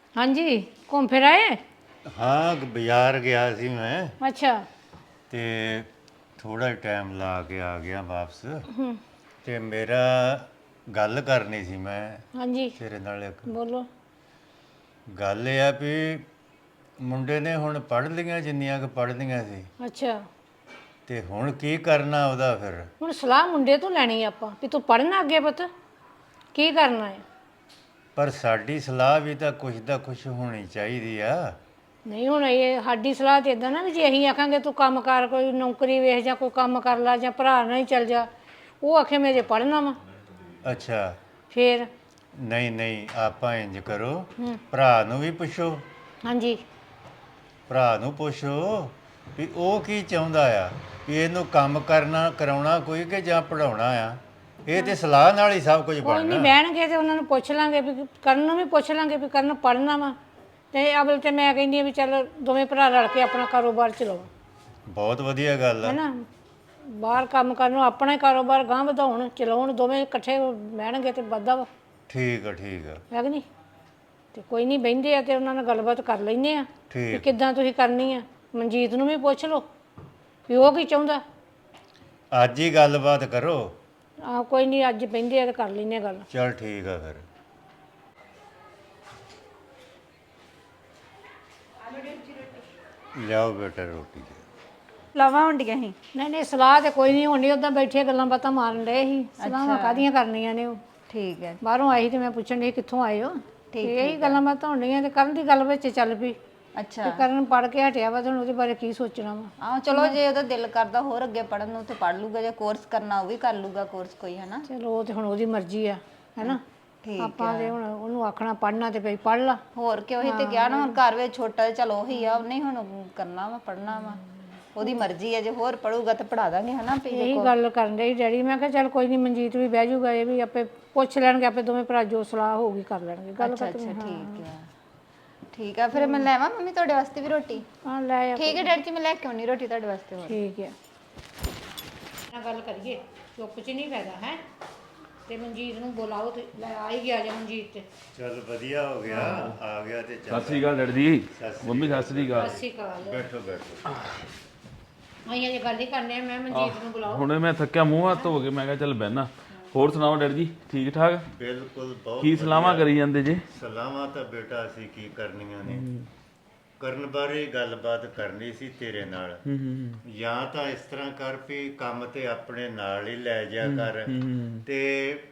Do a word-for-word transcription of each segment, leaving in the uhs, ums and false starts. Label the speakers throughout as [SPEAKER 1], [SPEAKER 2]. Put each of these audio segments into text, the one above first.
[SPEAKER 1] हाँ जी घूम फिर आए।
[SPEAKER 2] ਹਾਂ ਬਾਜ਼ਾਰ ਗਿਆ ਸੀ ਮੈਂ
[SPEAKER 1] अच्छा।
[SPEAKER 2] ਤੇ ਥੋੜਾ ਟਾਈਮ ਲਾ ਕੇ ਆ ਗਿਆ ਵਾਪਸ ਤੇ ਮੇਰਾ ਗੱਲ ਕਰਨੀ ਸੀ ਮੈਂ
[SPEAKER 1] हाँ जी
[SPEAKER 2] ਤੇਰੇ ਨਾਲ ਇੱਕ
[SPEAKER 1] बोलो।
[SPEAKER 2] ਗੱਲ ਇਹ ਆ ਵੀ ਮੁੰਡੇ ਨੇ ਹੁਣ ਪੜ੍ਹ ਲਈਆਂ ਜਿੰਨੀਆਂ ਕੁ ਪੜ੍ਹਨੀਆਂ ਸੀ
[SPEAKER 1] अच्छा
[SPEAKER 2] ਤੇ ਹੁਣ ਕੀ ਕਰਨਾ ਉਹਦਾ ਫਿਰ
[SPEAKER 1] ਹੁਣ ਸਲਾਹ ਮੁੰਡੇ ਤੋਂ ਲੈਣੀ ਆਪਾਂ ਵੀ ਤੂੰ ਪੜ੍ਹਨਾ ਅੱਗੇ ਪੁੱਤ ਕੀ ਕਰਨਾ ਹੈ।
[SPEAKER 2] ਪਰ ਸਾਡੀ ਸਲਾਹ ਵੀ ਤਾਂ ਕੁਛ ਦਾ ਕੁਛ ਹੋਣੀ ਚਾਹੀਦੀ ਆ
[SPEAKER 1] ਨਹੀਂ ਹੁਣ ਇਹ ਸਾਡੀ ਸਲਾਹ ਤੇ ਇਦਾਂ ਨਾ ਵੀ ਜੇ ਅਸੀਂ ਆਖਾਂਗੇ ਤੂੰ ਕੰਮ ਕਰ ਕੋਈ ਨੌਕਰੀ ਵੇਖ ਜਾਂ ਕੋਈ ਕੰਮ ਕਰ ਲੈ ਜਾਂ ਭਰਾ ਨਾਲ ਹੀ ਚੱਲ ਜਾ ਉਹ ਆਖੇ ਮੈਂ ਜੇ ਪੜ੍ਹਨਾ ਵਾ
[SPEAKER 2] ਅੱਛਾ
[SPEAKER 1] ਫੇਰ।
[SPEAKER 2] ਨਹੀਂ ਨਹੀਂ ਆਪਾਂ ਇੰਜ ਕਰੋ ਭਰਾ ਨੂੰ ਵੀ ਪੁੱਛੋ
[SPEAKER 1] ਹਾਂਜੀ
[SPEAKER 2] ਭਰਾ ਨੂੰ ਪੁੱਛੋ ਵੀ ਉਹ ਕੀ ਚਾਹੁੰਦਾ ਆ ਵੀ ਇਹਨੂੰ ਕੰਮ ਕਰਨਾ ਕਰਾਉਣਾ ਕੋਈ ਕਿ ਜਾਂ ਪੜਾਉਣਾ ਆ ਇਹ ਤੇ ਸਲਾਹ ਨਾਲ ਹੀ ਸਭ ਕੁਝ
[SPEAKER 1] ਕੋਈ ਨਹੀਂ
[SPEAKER 2] ਬਣਨਾ
[SPEAKER 1] ਬਹਿਣਗੇ ਤੇ ਉਹਨਾਂ ਨੂੰ ਪੁੱਛ ਲਾਂਗੇ ਵੀ ਕਰਨ ਨੂੰ ਵੀ ਪੁੱਛ ਲਾਂਗੇ ਵੀ ਕਰਨ ਪੜ੍ਹਨਾ ਵਾ ਤੇ ਅਵਲ ਤੇ ਮੈਂ ਕਹਿੰਦੀ ਆ ਵੀ ਚੱਲ ਦੋਵੇਂ ਭਰਾ ਰਲ ਕੇ ਆਪਣਾ ਕਾਰੋਬਾਰ ਚਲਾਓ
[SPEAKER 2] ਬਹੁਤ ਵਧੀਆ ਗੱਲ ਆ
[SPEAKER 1] ਹੈਨਾ। ਬਾਹਰ ਕੰਮ ਕਰਨ ਨੂੰ ਆਪਣਾ ਹੀ ਕਾਰੋਬਾਰ ਗਾਂਹ ਵਧਾਉਣ ਚਲਾਉਣ ਦੋਵੇਂ ਇਕੱਠੇ ਬਹਿਣਗੇ ਤੇ ਵੱਧਦਾ ਵਾ
[SPEAKER 2] ਠੀਕ ਆ ਠੀਕ ਆ
[SPEAKER 1] ਹੈ ਕਿ ਨਹੀਂ। ਤੇ ਕੋਈ ਨਹੀਂ ਬਹਿੰਦੇ ਆ ਤੇ ਉਹਨਾਂ ਨਾਲ ਗੱਲਬਾਤ ਕਰ ਲੈਂਦੇ ਆ ਵੀ
[SPEAKER 2] ਠੀਕ
[SPEAKER 1] ਕਿੱਦਾਂ ਤੁਸੀਂ ਕਰਨੀ ਆ। ਮਨਜੀਤ ਨੂੰ ਵੀ ਪੁੱਛ ਲਓ ਵੀ ਉਹ ਕੀ ਚਾਹੁੰਦਾ।
[SPEAKER 2] ਅੱਜ ਹੀ ਗੱਲਬਾਤ ਕਰੋ
[SPEAKER 1] ਆ ਕੋਈ ਨਹੀਂ ਅੱਜ ਬਹਿੰਦੇ ਆ ਤੇ ਕਰ ਲੈਂਦੇ ਆ ਗੱਲ।
[SPEAKER 2] ਚਲ ਠੀਕ ਆ ਫਿਰ ਲਿਆਓ ਬੇਟਾ ਰੋਟੀ ਦੇ
[SPEAKER 3] ਲਾਵਾਂ ਹੁੰਦੀਆਂ ਸੀ।
[SPEAKER 1] ਨਹੀਂ ਨਹੀਂ ਸਲਾਹ ਤੇ ਕੋਈ ਨਹੀਂ ਹੋਣੀ ਉਦਾਂ ਬੈਠੇ ਗੱਲਾਂ ਬਾਤਾਂ ਮਾਰਨ ਡਏ ਸੀ। ਸਲਾਹਾਂ ਕਾਹਦੀਆਂ ਕਰਨੀਆਂ ਨੇ ਉਹ
[SPEAKER 3] ਠੀਕ ਹੈ
[SPEAKER 1] ਬਾਹਰੋਂ ਆਈ ਤੇ ਮੈਂ ਪੁੱਛਣ ਡਈ ਕਿੱਥੋਂ ਆਏ ਹੋ ਤੇ ਇਹੀ ਗੱਲਾਂ ਬਾਤਾਂ ਹੋਣੀਆਂ ਤੇ ਕਰਨ ਦੀ ਗੱਲ ਵਿੱਚ ਚੱਲ ਪਈ
[SPEAKER 3] ਅੱਛਾ।
[SPEAKER 1] ਤੇ ਕਰਨ ਪੜ ਕੇ ਹਟਿਆ ਵਾ ਤੇ ਹੁਣ ਉਹਦੇ ਬਾਰੇ ਕੀ ਸੋਚਣਾ ਵਾ।
[SPEAKER 3] ਆਹ ਚਲੋ ਜੇ ਉਹਦਾ ਦਿਲ ਕਰਦਾ ਹੋਰ ਅੱਗੇ ਪੜਨ ਨੂੰ ਤੇ ਪੜ ਲੂਗਾ ਜੇ ਕੋਰਸ ਕਰਨਾ ਉਹ ਵੀ ਕਰ ਲੂਗਾ ਕੋਰਸ ਕੋਈ ਹਨਾ।
[SPEAKER 1] ਚਲੋ ਉਹ ਤੇ ਹੁਣ ਉਹਦੀ ਮਰਜ਼ੀ ਆ ਹੈਨਾ।
[SPEAKER 3] ਠੀਕ
[SPEAKER 1] ਆਪਾਂ ਤੇ ਹੁਣ ਉਹਨੂੰ ਆਖਣਾ ਪੜਨਾ ਤੇ ਭਈ ਪੜ ਲਾ।
[SPEAKER 3] ਹੋਰ ਕਿ ਉਹੀ ਤੇ ਗਿਆ ਨਾ ਹੁਣ ਘਰ ਵਿੱਚ ਛੋਟਾ ਜਿਹਾ ਚਲ ਉਹੀ ਆ ਉਹਨੇ ਹੁਣ ਕਰਨਾ ਵਾ ਪੜਨਾ ਵਾ ਉਹਦੀ ਮਰਜ਼ੀ ਹੈ ਜੇ ਹੋਰ ਪੜੂਗਾ ਤੇ ਪੜਾ ਦਾਂਗੇ ਹਨਾ। ਵੀ
[SPEAKER 1] ਇਹੀ ਗੱਲ ਕਰਨ ਡਈ ਡੈਡੀ ਮੈਂ ਕਿਹਾ ਚੱਲ ਕੋਈ ਨਹੀਂ ਮਨਜੀਤ ਵੀ ਬਹਿ ਜਾਊਗਾ ਇਹ ਵੀ ਆਪੇ ਪੁੱਛ ਲੈਣਗੇ ਆਪੇ ਦੋਵੇਂ ਭਰਾ ਜੋ ਸਲਾਹ ਹੋਊਗੀ ਕਰ ਲੈਣਗੇ ਗੱਲ
[SPEAKER 3] ਅੱਛਾ
[SPEAKER 1] ਖਤਮ।
[SPEAKER 3] ਅੱਛਾ ਠੀਕ ਹੈ ਠੀਕ ਆ ਫਿਰ ਮੈਂ ਲੈਵਾਂ ਮੰਮੀ ਤੁਹਾਡੇ ਵਾਸਤੇ ਵੀ ਰੋਟੀ।
[SPEAKER 1] ਹਾਂ ਲੈ ਆ
[SPEAKER 3] ਠੀਕ ਹੈ ਡੈਡੀ ਜੀ ਮੈਂ ਲੈ ਕੇ ਆਉਣੀ ਰੋਟੀ ਤੁਹਾਡੇ ਵਾਸਤੇ ਹੋਰ।
[SPEAKER 1] ਠੀਕ ਹੈ ਨਾ ਗੱਲ ਕਰੀਏ ਚੁੱਪ ਚ ਨਹੀਂ ਫਾਇਦਾ ਹੈ ਤੇ ਮਨਜੀਤ ਨੂੰ ਬੁਲਾਓ ਤੇ ਲੈ ਆ ਹੀ ਗਿਆ ਜੇ ਮਨਜੀਤ ਤੇ।
[SPEAKER 2] ਚਲ ਵਧੀਆ ਹੋ ਗਿਆ ਆ ਗਿਆ ਤੇ
[SPEAKER 4] ਸਤਿ
[SPEAKER 2] ਚੱਲ
[SPEAKER 4] ਸ੍ਰੀ ਅਕਾਲ ਡੈਡੀ ਜੀ ਮੰਮੀ ਸਤਿ ਸ੍ਰੀ ਅਕਾਲ।
[SPEAKER 1] ਅਸੀਂ ਕਾਲ
[SPEAKER 2] ਬੈਠੋ ਬੈਠੋ
[SPEAKER 1] ਆਈਆਂ ਜੇ ਗੱਲ ਹੀ ਕਰਨੇ ਆ ਮੈਂ ਮਨਜੀਤ ਨੂੰ ਬੁਲਾਓ।
[SPEAKER 4] ਹੁਣੇ ਮੈਂ ਥੱਕਿਆ ਮੂੰਹ ਹੱਥ ਧੋ ਕੇ ਮੈਂ ਕਿਹਾ ਚੱਲ ਬਹਿਣਾ। ਹੋਰ ਸੁਣਾਓ ਡੈਡੀ ਜੀ ਠੀਕ ਠਾਕ
[SPEAKER 2] ਬਿਲਕੁਲ ਬਹੁਤ
[SPEAKER 4] ਕੀ ਸਲਾਹਾਂ ਕਰੀ ਜਾਂਦੇ ਜੀ।
[SPEAKER 2] ਸਲਾਹਾਂ ਤਾਂ ਬੇਟਾ ਅਸੀਂ ਕੀ ਕਰਨੀਆਂ ਨੇ ਕਰਨ ਬਾਰੇ ਗੱਲਬਾਤ ਕਰਨੀ ਸੀ ਤੇਰੇ ਨਾਲ ਜਾਂ ਤਾਂ ਇਸ ਤਰ੍ਹਾਂ ਕਰ ਵੀ ਕੰਮ ਤੇ ਆਪਣੇ ਨਾਲ ਹੀ ਲੈ ਜਾ ਕਰ ਤੇ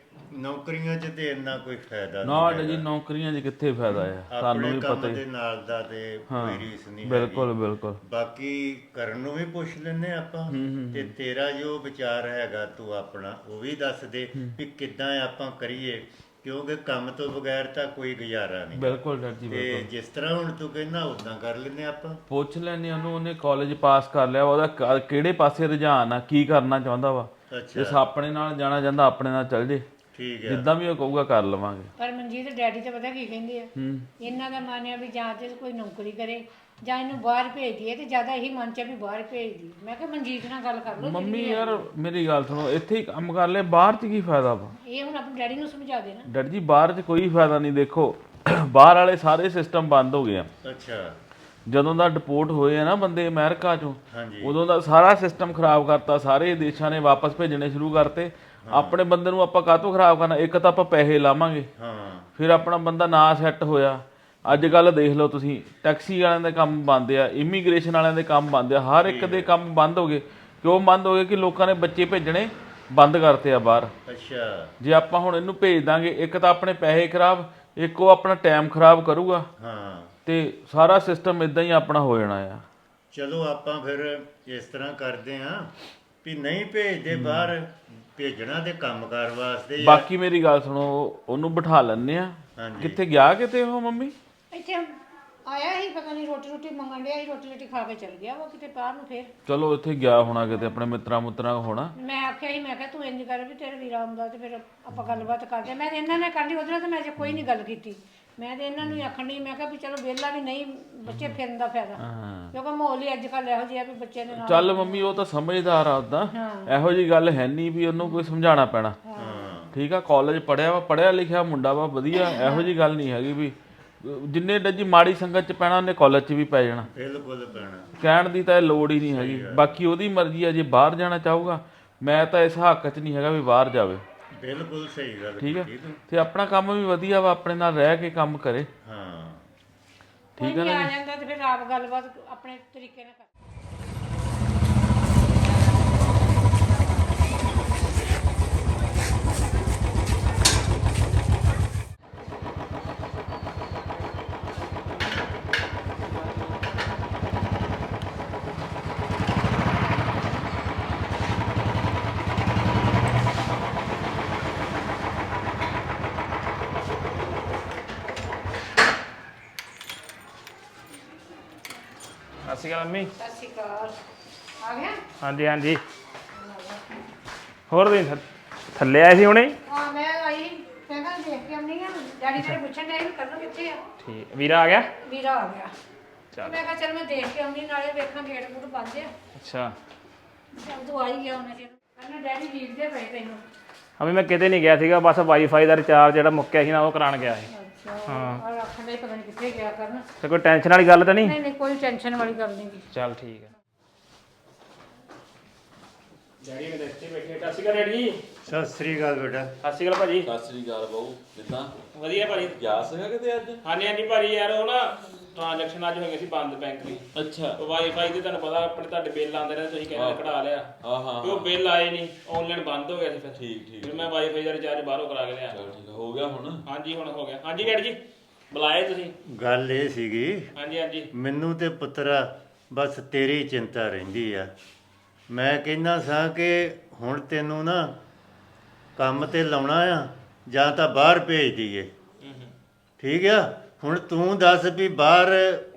[SPEAKER 2] ਨੌਕਰੀਆਂ 'ਚ ਤੇ ਇੰਨਾ ਕੋਈ ਫਾਇਦਾ
[SPEAKER 4] ਨਾ
[SPEAKER 2] ਨਹੀਂ
[SPEAKER 4] ਡੈਡੀ ਜੀ ਨੌਕਰੀਆਂ 'ਚ ਕਿੱਥੇ ਫਾਇਦਾ ਆ ਤੁਹਾਨੂੰ
[SPEAKER 2] ਆਪਣੇ
[SPEAKER 4] ਵੀ
[SPEAKER 2] ਕੰਮ
[SPEAKER 4] ਪਤਾ
[SPEAKER 2] ਦੇ
[SPEAKER 4] ਹੀ।
[SPEAKER 2] ਨਾਲ ਦਾ ਤੇ ਕੋਈ ਰੀਸ ਨਹੀਂ
[SPEAKER 4] ਬਿਲਕੁਲ ਬਿਲਕੁਲ
[SPEAKER 2] ਬਾਕੀ ਕਰਨ ਨੂੰ ਵੀ ਪੁੱਛ ਲੈਨੇ ਆਪਾਂ ਤੇ ਤੇਰਾ ਜੋ ਵਿਚਾਰ ਹੈਗਾ ਤੂੰ ਆਪਣਾ ਉਹ ਵੀ ਦੱਸ ਦੇ ਵੀ ਕਿੱਦਾਂ ਆਪਾਂ ਕਰੀਏ ਕਿਉਂਕਿ ਕੰਮ ਤੋਂ ਬਗੈਰ ਤਾਂ ਕੋਈ ਗੁਜ਼ਾਰਾ ਨਹੀਂ
[SPEAKER 4] ਬਿਲਕੁਲ ਡੈਡੀ ਜੀ
[SPEAKER 2] ਤੇ ਜਿਸ ਤਰ੍ਹਾਂ ਹੁਣ ਤੂੰ ਕਹਿੰਦਾ ਉਦਾਂ ਕਰ ਲੈਨੇ ਆਪਾਂ
[SPEAKER 4] ਪੁੱਛ ਲੈਣੇ ਉਹਨੂੰ ਉਹਨੇ ਕਾਲਜ ਪਾਸ ਕਰ ਲਿਆ ਉਹਦਾ ਕ- ਕਿਹੜੇ ਪਾਸੇ ਰੁਝਾਨ ਆ ਕੀ ਕਰਨਾ ਚਾਹੁੰਦਾ ਵਾ
[SPEAKER 2] ਅੱਛਾ
[SPEAKER 4] ਜੇ ਆਪਣੇ ਨਾਲ ਜਾਣਾ ਚਾਹੁੰਦਾ ਆਪਣੇ ਨਾਲ ਚੱਲ ਜੇ
[SPEAKER 2] ਠੀਕ ਹੈ
[SPEAKER 4] ਜਿੱਦਾਂ ਵੀ ਉਹ ਕਹੂਗਾ ਕਰ ਲਵਾਂਗੇ।
[SPEAKER 1] ਪਰ ਮਨਜੀਤ ਡੈਡੀ ਤੇ ਪਤਾ ਕੀ ਕਹਿੰਦੇ ਆ ਇਹਨਾਂ ਦਾ ਮਨ ਆ ਵੀ ਜਾਂ ਤੇ ਕੋਈ ਨੌਕਰੀ ਕਰੇ ਜਾਂ ਇਹਨੂੰ ਬਾਹਰ ਭੇਜ ਦਈਏ ਤੇ ਜ਼ਿਆਦਾ ਇਹੀ ਮਨ ਚ ਆ ਵੀ ਬਾਹਰ ਭੇਜ ਦੀ। ਮੈਂ ਕਿਹਾ ਮਨਜੀਤ ਨਾਲ ਗੱਲ ਕਰ ਲਓ
[SPEAKER 4] ਮੰਮੀ ਯਾਰ ਮੇਰੀ ਗੱਲ ਸੁਣੋ ਇੱਥੇ ਹੀ ਕੰਮ ਕਰ ਲੈ ਬਾਹਰ 'ਚ ਕੀ ਫਾਇਦਾ ਵਾ।
[SPEAKER 1] ਇਹ ਹੁਣ ਆਪਣੇ ਡੈਡੀ ਨੂੰ ਸਮਝਾ ਦੇਣਾ।
[SPEAKER 4] ਡੈਡੀ ਜੀ ਬਾਹਰ 'ਚ ਕੋਈ ਫਾਇਦਾ ਨਹੀਂ ਦੇਖੋ ਬਾਹਰ ਵਾਲੇ ਸਾਰੇ ਸਿਸਟਮ ਬੰਦ ਹੋ ਗਏ ਆ
[SPEAKER 2] ਅੱਛਾ
[SPEAKER 4] ਜਦੋਂ ਦਾ ਡਿਪੋਰਟ ਹੋਏ ਆ ਨਾ ਬੰਦੇ ਅਮਰੀਕਾ ਚੋਂ
[SPEAKER 2] ਹਾਂਜੀ
[SPEAKER 4] ਉਦੋਂ ਦਾ ਸਾਰਾ ਸਿਸਟਮ ਖਰਾਬ ਕਰਤਾ ਸਾਰੇ ਦੇਸ਼ਾਂ ਨੇ ਵਾਪਸ ਭੇਜਣੇ ਸ਼ੁਰੂ ਕਰਤੇ। ਆਪਣੇ ਬੰਦੇ ਨੂੰ ਆਪਾਂ ਕਾਹਤੋਂ ਖਰਾਬ ਕਰਨਾ ਇੱਕ ਤਾਂ ਆਪਾਂ ਪੈਸੇ ਲਾਵਾਂਗੇ
[SPEAKER 2] ਹਾਂ
[SPEAKER 4] ਫਿਰ ਆਪਣਾ ਬੰਦਾ ਨਾ ਸੈੱਟ ਹੋਇਆ। ਅੱਜ ਕੱਲ ਦੇਖ ਲਓ ਤੁਸੀਂ ਟੈਕਸੀ ਵਾਲਿਆਂ ਦੇ ਕੰਮ ਬੰਦ ਆ ਇਮੀਗ੍ਰੇਸ਼ਨ ਵਾਲਿਆਂ ਦੇ ਕੰਮ ਬੰਦ ਆ ਹਰ ਇੱਕ ਦੇ ਕੰਮ ਬੰਦ ਹੋ ਗਏ। ਕਿਉਂ ਬੰਦ ਹੋ ਗਏ ਕਿ ਲੋਕਾਂ ਨੇ ਬੱਚੇ ਭੇਜਣੇ ਬੰਦ ਕਰਤੇ ਆ ਬਾਹਰ।
[SPEAKER 2] ਅੱਛਾ
[SPEAKER 4] ਜੇ ਆਪਾਂ ਹੁਣ ਇਹਨੂੰ ਭੇਜ ਦਾਂਗੇ ਇੱਕ ਤਾਂ ਆਪਣੇ ਪੈਸੇ ਖਰਾਬ ਇੱਕ ਉਹ ਆਪਣਾ ਟਾਈਮ ਖਰਾਬ ਕਰੂਗਾ
[SPEAKER 2] ਹਾਂ
[SPEAKER 4] ਤੇ ਸਾਰਾ ਸਿਸਟਮ ਇਦਾਂ ਹੀ ਆਪਣਾ ਹੋ ਜਾਣਾ ਆ।
[SPEAKER 2] ਚਲੋ ਆਪਾਂ ਫਿਰ ਇਸ ਤਰ੍ਹਾਂ ਕਰਦੇ ਆਂ ਵੀ ਨਹੀਂ ਭੇਜਦੇ ਬਾਹਰ ਭੇਜਣਾ ਤੇ ਕੰਮਕਾਰ ਵਾਸਤੇ ਹੀ ਆ।
[SPEAKER 4] ਬਾਕੀ ਮੇਰੀ ਗੱਲ ਸੁਣੋ ਉਹਨੂੰ ਬਿਠਾ ਲੈਣੇ ਆ।
[SPEAKER 2] ਹਾਂਜੀ
[SPEAKER 4] ਕਿੱਥੇ ਗਿਆ ਕਿਤੇ ਉਹ ਮੰਮੀ
[SPEAKER 1] ਇੱਥੇ ਆਇਆ ਹੀ ਪਤਾ ਨਹੀਂ ਰੋਟੀ ਰੋਟੀ ਮੰਗਣ ਡਿਆ ਸੀ ਰੋਟੀ ਰੋਟੀ ਖਾ ਕੇ ਚਲ ਗਿਆ ਉਹ ਕਿਤੇ ਬਾਹਰ ਨੂੰ ਫੇਰ।
[SPEAKER 4] ਚਲੋ ਇੱਥੇ ਗਿਆ ਹੋਣਾ ਕਿਤੇ ਆਪਣੇ ਮਿੱਤਰਾਂ ਮੁੱਤਰਾਂ ਕੋਲ ਹੋਣਾ।
[SPEAKER 1] ਮੈਂ ਆਖਿਆ ਸੀ ਮੈਂ ਕਿਹਾ ਤੂੰ ਇੰਜ ਕਰ ਵੀ ਤੇਰੇ ਵੀਰਾ ਆਉਂਦਾ ਤੇ ਫਿਰ ਆਪਾਂ ਗੱਲਬਾਤ ਕਰਦੇ। ਮੈਂ ਤੇ ਇਹਨਾਂ ਨੇ ਕਰਨੀ ਉਹਦੇ ਨਾਲ ਤੇ ਮੈਂ ਜੇ ਕੋਈ ਨਹੀਂ ਗੱਲ ਕੀਤੀ। ਮੈਂ ਤੇ ਇਹਨਾਂ ਨੂੰ ਹੀ ਆਖਣ ਡਈ ਮੈਂ ਕਿਹਾ ਵੀ ਚਲੋ ਵਿਹਲਾ ਵੀ ਨਹੀਂ ਬੱਚੇ ਫਿਰਨ ਦਾ ਫਾਇਦਾ ਕਿਉਂਕਿ ਮਾਹੌਲ ਹੀ ਅੱਜ ਕੱਲ੍ਹ ਇਹੋ ਜਿਹਾ ਵੀ ਬੱਚੇ ਦੇ ਨਾਲ।
[SPEAKER 4] ਚੱਲ ਮੰਮੀ ਉਹ ਤਾਂ ਸਮਝਦਾਰ ਆ ਉਦਾਂ ਇਹੋ ਜੀ ਗੱਲ ਹੈ ਨਹੀਂ ਵੀ ਉਹਨੂੰ ਕੋਈ ਸਮਝਾਉਣਾ ਪੈਣਾ। ਠੀਕ ਆ ਕਾਲਜ ਪੜਿਆ ਵਾ ਪੜਿਆ ਲਿਖਿਆ ਮੁੰਡਾ ਵਾ ਵਧੀਆ ਇਹੋ ਜੀ ਗੱਲ ਨਹੀਂ ਹੈਗੀ ਵੀ ਜਿੰਨੇ ਡੱਜੀ ਮਾੜੀ ਸੰਗਤ ਚ ਪੈਣਾ ਉਹਨੇ ਕਾਲਜ ਚ ਵੀ ਪੈ ਜਾਣਾ।
[SPEAKER 2] ਬਿਲਕੁਲ ਪੈਣਾ।
[SPEAKER 4] ਕਹਿਣ ਦੀ ਤਾਂ ਇਹ ਲੋੜ ਹੀ ਨਹੀਂ ਹੈਗੀ, ਬਾਕੀ ਉਹਦੀ ਮਰਜ਼ੀ ਆ, ਜੇ ਬਾਹਰ ਜਾਣਾ ਚਾਹੂਗਾ ਮੈਂ ਤਾਂ ਇਸ ਹੱਕ 'ਚ ਨਹੀਂ ਹੈਗਾ ਵੀ ਬਾਹਰ ਜਾਵੇ।
[SPEAKER 2] ਬਿਲਕੁਲ ਸਹੀ ਗੱਲ
[SPEAKER 4] ਠੀਕ ਹੈ,
[SPEAKER 2] ਕੀਤੀ ਤੂੰ।
[SPEAKER 4] ਤੇ ਆਪਣਾ ਕੰਮ ਵੀ ਵਧੀਆ ਵਾ, ਆਪਣੇ ਨਾਲ ਰਹਿ ਕੇ ਕੰਮ ਕਰੇ।
[SPEAKER 2] ਹਾਂ
[SPEAKER 1] ਠੀਕ ਹੈ ਨਾ, ਆ ਜਾਂਦਾ ਤੇ ਫਿਰ ਆਪ ਗੱਲਬਾਤ ਆਪਣੇ ਤਰੀਕੇ ਨਾਲ ਕਰ।
[SPEAKER 5] ਸਤਿ ਸ਼੍ਰੀ ਅਕਾਲ ਮੰਮੀ।
[SPEAKER 1] ਸਤਿ ਸ਼੍ਰੀ ਅਕਾਲ। ਆ ਗਿਆ?
[SPEAKER 5] ਹਾਂਜੀ ਹਾਂਜੀ। ਹੋਰ ਤੁਸੀਂ ਥ- ਥੱਲੇ ਆਏ ਸੀ ਹੁਣੇ?
[SPEAKER 1] ਹਾਂ ਮੈਂ ਆਈ, ਮੈਂ ਕਿਹਾ ਦੇਖ ਕੇ ਆਉਂਦੀ ਆ। ਡੈਡੀ ਤੇਰੇ ਪੁੱਛਣ ਡਿਆ ਸੀ ਕਰਨ ਕਿੱਥੇ ਆ।
[SPEAKER 5] ਠੀਕ, ਵੀਰਾ ਆ ਗਿਆ?
[SPEAKER 1] ਵੀਰਾ ਆ ਗਿਆ।
[SPEAKER 5] ਚੱਲ
[SPEAKER 1] ਮੈਂ ਕਿਹਾ ਚੱਲ ਮੈਂ ਦੇਖ ਕੇ ਆਉਂਦੀ, ਨਾਲੇ ਵੇਖਾਂ ਗੇਟ ਗੂਟ ਬੰਦ ਆ।
[SPEAKER 5] ਅੱਛਾ।
[SPEAKER 1] ਚੱਲ ਤੂੰ ਆ ਹੀ ਗਿਆ ਉਹਨੇ ਚਿਰ। ਕਹਿੰਦਾ ਡੈਡੀ ਲੀਕਦੇ ਪਏ ਤੈਨੂੰ।
[SPEAKER 5] ਅਭੀ ਮੈਂ ਕਿਤੇ ਨਹੀਂ ਗਿਆ ਸੀਗਾ, ਬਸ ਵਾਈਫਾਈ ਦਾ ਰਿਚਾਰਜ ਜਿਹੜਾ ਮੁੱਕਿਆ ਸੀ ਨਾ ਉਹ ਕਰਾਉਣ ਗਿਆ ਸੀ।
[SPEAKER 1] ਅੱਛਾ ਹਾਂ, ਆਖਣ ਡਿਆ ਸੀ ਪਤਾ ਨਹੀਂ ਕਿੱਥੇ ਗਿਆ ਕਰਨ।
[SPEAKER 5] ਤੇ ਕੋਈ ਟੈਨਸ਼ਨ ਵਾਲੀ ਗੱਲ ਤਾਂ ਨਹੀਂ?
[SPEAKER 1] ਨਹੀਂ ਨਹੀਂ ਕੋਈ ਟੈਨਸ਼ਨ ਵਾਲੀ ਗੱਲ ਨਹੀਂ ਗੀ।
[SPEAKER 5] ਚੱਲ ਠੀਕ ਹੈ। ਡੈਡੀ ਮੇਰੇ ਇੱਥੇ ਬੈਠੇ। ਸਤਿ ਸ਼੍ਰੀ ਅਕਾਲ ਡੈਡੀ ਜੀ।
[SPEAKER 2] ਸਤਿ ਸ੍ਰੀ ਅਕਾਲ ਬੇਟਾ।
[SPEAKER 5] ਸਤਿ ਸ਼੍ਰੀ ਅਕਾਲ ਭਾਜੀ।
[SPEAKER 4] ਸਤਿ ਸ੍ਰੀ ਅਕਾਲ ਬਾਊ, ਕਿੱਦਾਂ?
[SPEAKER 5] ਵਧੀਆ ਭਾਜੀ।
[SPEAKER 4] ਗਿਆ ਸੀਗਾ ਕਿਤੇ ਅੱਜ?
[SPEAKER 5] ਹਾਂਜੀ ਹਾਂਜੀ ਭਾਜੀ, ਯਾਰ ਉਹ ਨਾ ਟ੍ਰਾਂਜੈਕਸ਼ਨ ਅੱਜ ਹੋਈਆਂ ਸੀ ਬੰਦ ਬੈਂਕ ਦੀ।
[SPEAKER 4] ਅੱਛਾ।
[SPEAKER 5] ਉਹ ਵਾਈਫਾਈ ਦੇ ਤੁਹਾਨੂੰ ਪਤਾ ਆਪਣੇ ਤੁਹਾਡੇ ਬਿੱਲ ਆਉਂਦੇ ਨੇ, ਤੁਸੀਂ ਕਹਿੰਦੇ ਕਢਾ ਲਿਆ।
[SPEAKER 4] ਹਾਂ ਹਾਂ
[SPEAKER 5] ਉਹ ਬਿੱਲ ਆਏ ਨਹੀਂ, ਆਨਲਾਈਨ ਬੰਦ ਹੋ ਗਿਆ ਸੀ ਫਿਰ।
[SPEAKER 4] ਠੀਕ ਠੀਕ।
[SPEAKER 5] ਫਿਰ ਮੈਂ ਵਾਈਫਾਈ ਦਾ ਰਿਚਾਰਜ ਬਾਹਰੋਂ ਕਰਾ ਕੇ ਲਿਆ।
[SPEAKER 4] ਚਲ ਠੀਕ ਹੋ ਗਿਆ ਹੁਣ?
[SPEAKER 5] ਹਾਂਜੀ ਹੁਣ ਹੋ ਗਿਆ। ਹਾਂਜੀ ਡੈਡੀ ਜੀ ਬੁਲਾਏ ਤੁਸੀਂ?
[SPEAKER 2] ਗੱਲ ਇਹ ਸੀਗੀ,
[SPEAKER 5] ਹਾਂਜੀ ਹਾਂਜੀ।
[SPEAKER 2] ਮੈਨੂੰ ਤੇ ਪੁੱਤਰਾ ਬਸ ਤੇਰੀ ਚਿੰਤਾ ਰਹਿੰਦੀ ਆ। ਮੈਂ ਕਹਿੰਦਾ ਸਾਂ ਕਿ ਹੁਣ ਤੈਨੂੰ ਨਾ ਕੰਮ ਤੇ ਲਾਉਣਾ ਆ ਜਾਂ ਤਾਂ ਬਾਹਰ ਭੇਜ ਦਈਏ। ਠੀਕ ਆ, ਹੁਣ ਤੂੰ ਦੱਸ ਵੀ ਬਾਹਰ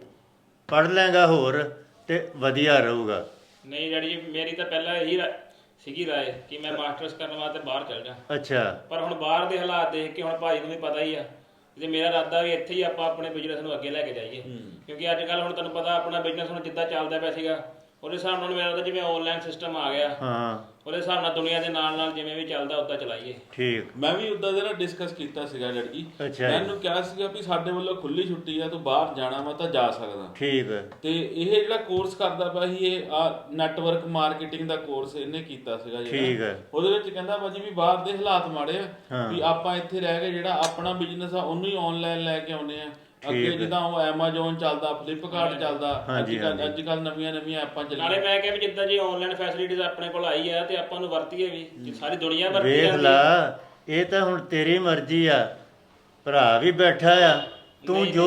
[SPEAKER 2] ਪੜ੍ਹ ਲੈਂਗਾ ਹੋਰ ਤੇ ਵਧੀਆ ਰਹੂਗਾ।
[SPEAKER 5] ਨਹੀਂ ਡੈਡੀ ਜੀ, ਮੇਰੀ ਤਾਂ ਪਹਿਲਾਂ ਇਹੀ ਰਾ- ਸੀਗੀ ਰਾਏ ਕਿ ਮੈਂ ਮਾਸਟਰਸ ਕਰਨ ਵਾਸਤੇ ਬਾਹਰ ਚਲ ਜਾ।
[SPEAKER 2] ਅੱਛਾ।
[SPEAKER 5] ਪਰ ਹੁਣ ਬਾਹਰ ਦੇ ਹਾਲਾਤ ਦੇਖ ਕੇ ਹੁਣ ਭਾਜੀ ਨੂੰ ਵੀ ਪਤਾ ਹੀ ਆ, ਤੇ ਮੇਰਾ ਇਰਾਦਾ ਵੀ ਇੱਥੇ ਹੀ ਆਪਾਂ ਆਪਣੇ ਬਿਜ਼ਨਸ ਨੂੰ ਅੱਗੇ ਲੈ ਕੇ ਜਾਈਏ। ਕਿਉਂਕਿ ਅੱਜ ਕੱਲ ਹੁਣ ਤੁਹਾਨੂੰ ਪਤਾ ਆਪਣਾ ਬਿਜ਼ਨਸ ਹੁਣ ਜਿੱਦਾਂ ਚੱਲਦਾ ਪਿਆ ਸੀਗਾ, ਉਹਦੇ ਹਿਸਾਬ ਨਾਲ ਮੇਰਾ ਤਾਂ ਜਿਵੇਂ ਆਨਲਾਈਨ ਸਿਸਟਮ ਆ ਗਿਆ,
[SPEAKER 2] ਹਾਂ
[SPEAKER 5] ਉਹਦੇ ਹਿਸਾਬ ਨਾਲ ਦੁਨੀਆ ਦੇ ਨਾਲ ਨਾਲ ਜਿਵੇਂ ਵੀ ਚੱਲਦਾ ਉਦਾਂ ਚਲਾਈਏ।
[SPEAKER 2] ਠੀਕ।
[SPEAKER 4] ਮੈਂ ਵੀ ਉਦਾਂ ਦੇ ਨਾਲ ਡਿਸਕਸ ਕੀਤਾ ਸੀਗਾ ਡੈਡੀ ਜੀ।
[SPEAKER 2] ਅੱਛਾ।
[SPEAKER 4] ਮੈਨੂੰ ਕਿਹਾ ਸੀਗਾ ਵੀ ਸਾਡੇ ਵੱਲੋਂ ਖੁੱਲੀ ਛੁੱਟੀ ਆ, ਤੂੰ ਬਾਹਰ ਜਾਣਾ ਵਾ ਤਾਂ ਜਾ ਸਕਦਾ।
[SPEAKER 2] ਠੀਕ ਹੈ।
[SPEAKER 4] ਤੇ ਇਹ ਜਿਹੜਾ ਕੋਰਸ ਕਰਦਾ ਪਿਆ ਸੀ, ਇਹ ਆ ਨੈਟਵਰਕ ਮਾਰਕੀਟਿੰਗ ਦਾ ਕੋਰਸ ਇਹਨੇ ਕੀਤਾ ਸੀਗਾ
[SPEAKER 2] ਠੀਕ
[SPEAKER 4] ਜਿਹੜਾ।
[SPEAKER 2] ਹੈ।
[SPEAKER 4] ਉਹਦੇ ਵਿੱਚ ਕਹਿੰਦਾ ਬਾਜੀ ਵੀ ਬਾਹਰ ਦੇ ਹਾਲਾਤ ਮਾੜੇ ਆ,
[SPEAKER 2] ਹਾਂ।
[SPEAKER 4] ਵੀ ਆਪਾਂ ਇੱਥੇ ਰਹਿ ਕੇ ਜਿਹੜਾ ਆਪਣਾ ਬਿਜ਼ਨਸ ਆ ਉਹਨੂੰ ਹੀ ਆਨਲਾਈਨ ਲੈ ਕੇ ਆਉਨੇ ਆ। ਅੱਗੇ
[SPEAKER 2] ਠੀਕ ਹੈ।
[SPEAKER 4] ਜਿੱਦਾਂ ਉਹ ਐਮਾਜ਼ੋਨ ਚੱਲਦਾ, ਫਲਿੱਪਕਾਰਟ ਚੱਲਦਾ, ਅੱਜ
[SPEAKER 2] ਹਾਂਜੀ,
[SPEAKER 4] ਕੱਲ
[SPEAKER 2] ਹਾਂਜੀ।
[SPEAKER 4] ਅੱਜ ਕੱਲ ਨਵੀਆਂ ਨਵੀਆਂ ਐਪਾਂ
[SPEAKER 5] ਨਾਲੇ
[SPEAKER 4] ਚੱਲੀਆਂ।
[SPEAKER 5] ਮੈਂ ਕਿਹਾ ਵੀ ਜਿੱਦਾਂ ਜੀ ਆਨਲਾਈਨ ਫੈਸਿਲਿਟੀਜ਼ ਆਪਣੇ ਕੋਲ ਆਈ ਆ ਤੇ ਆਪਾਂ ਨੂੰ ਵਰਤੀਏ ਵੀ, ਜੇ ਸਾਰੀ ਦੁਨੀਆ ਵਰਤੀ
[SPEAKER 2] ਵੇਖ
[SPEAKER 5] ਜਾਂਦੀ।
[SPEAKER 2] ਲਾ, ਇਹ ਤਾਂ ਹੁਣ ਤੇਰੀ ਮਰਜ਼ੀ ਆ। ਭਰਾ ਵੀ ਬੈਠਾ ਆ, ਤੂੰ ਜੋ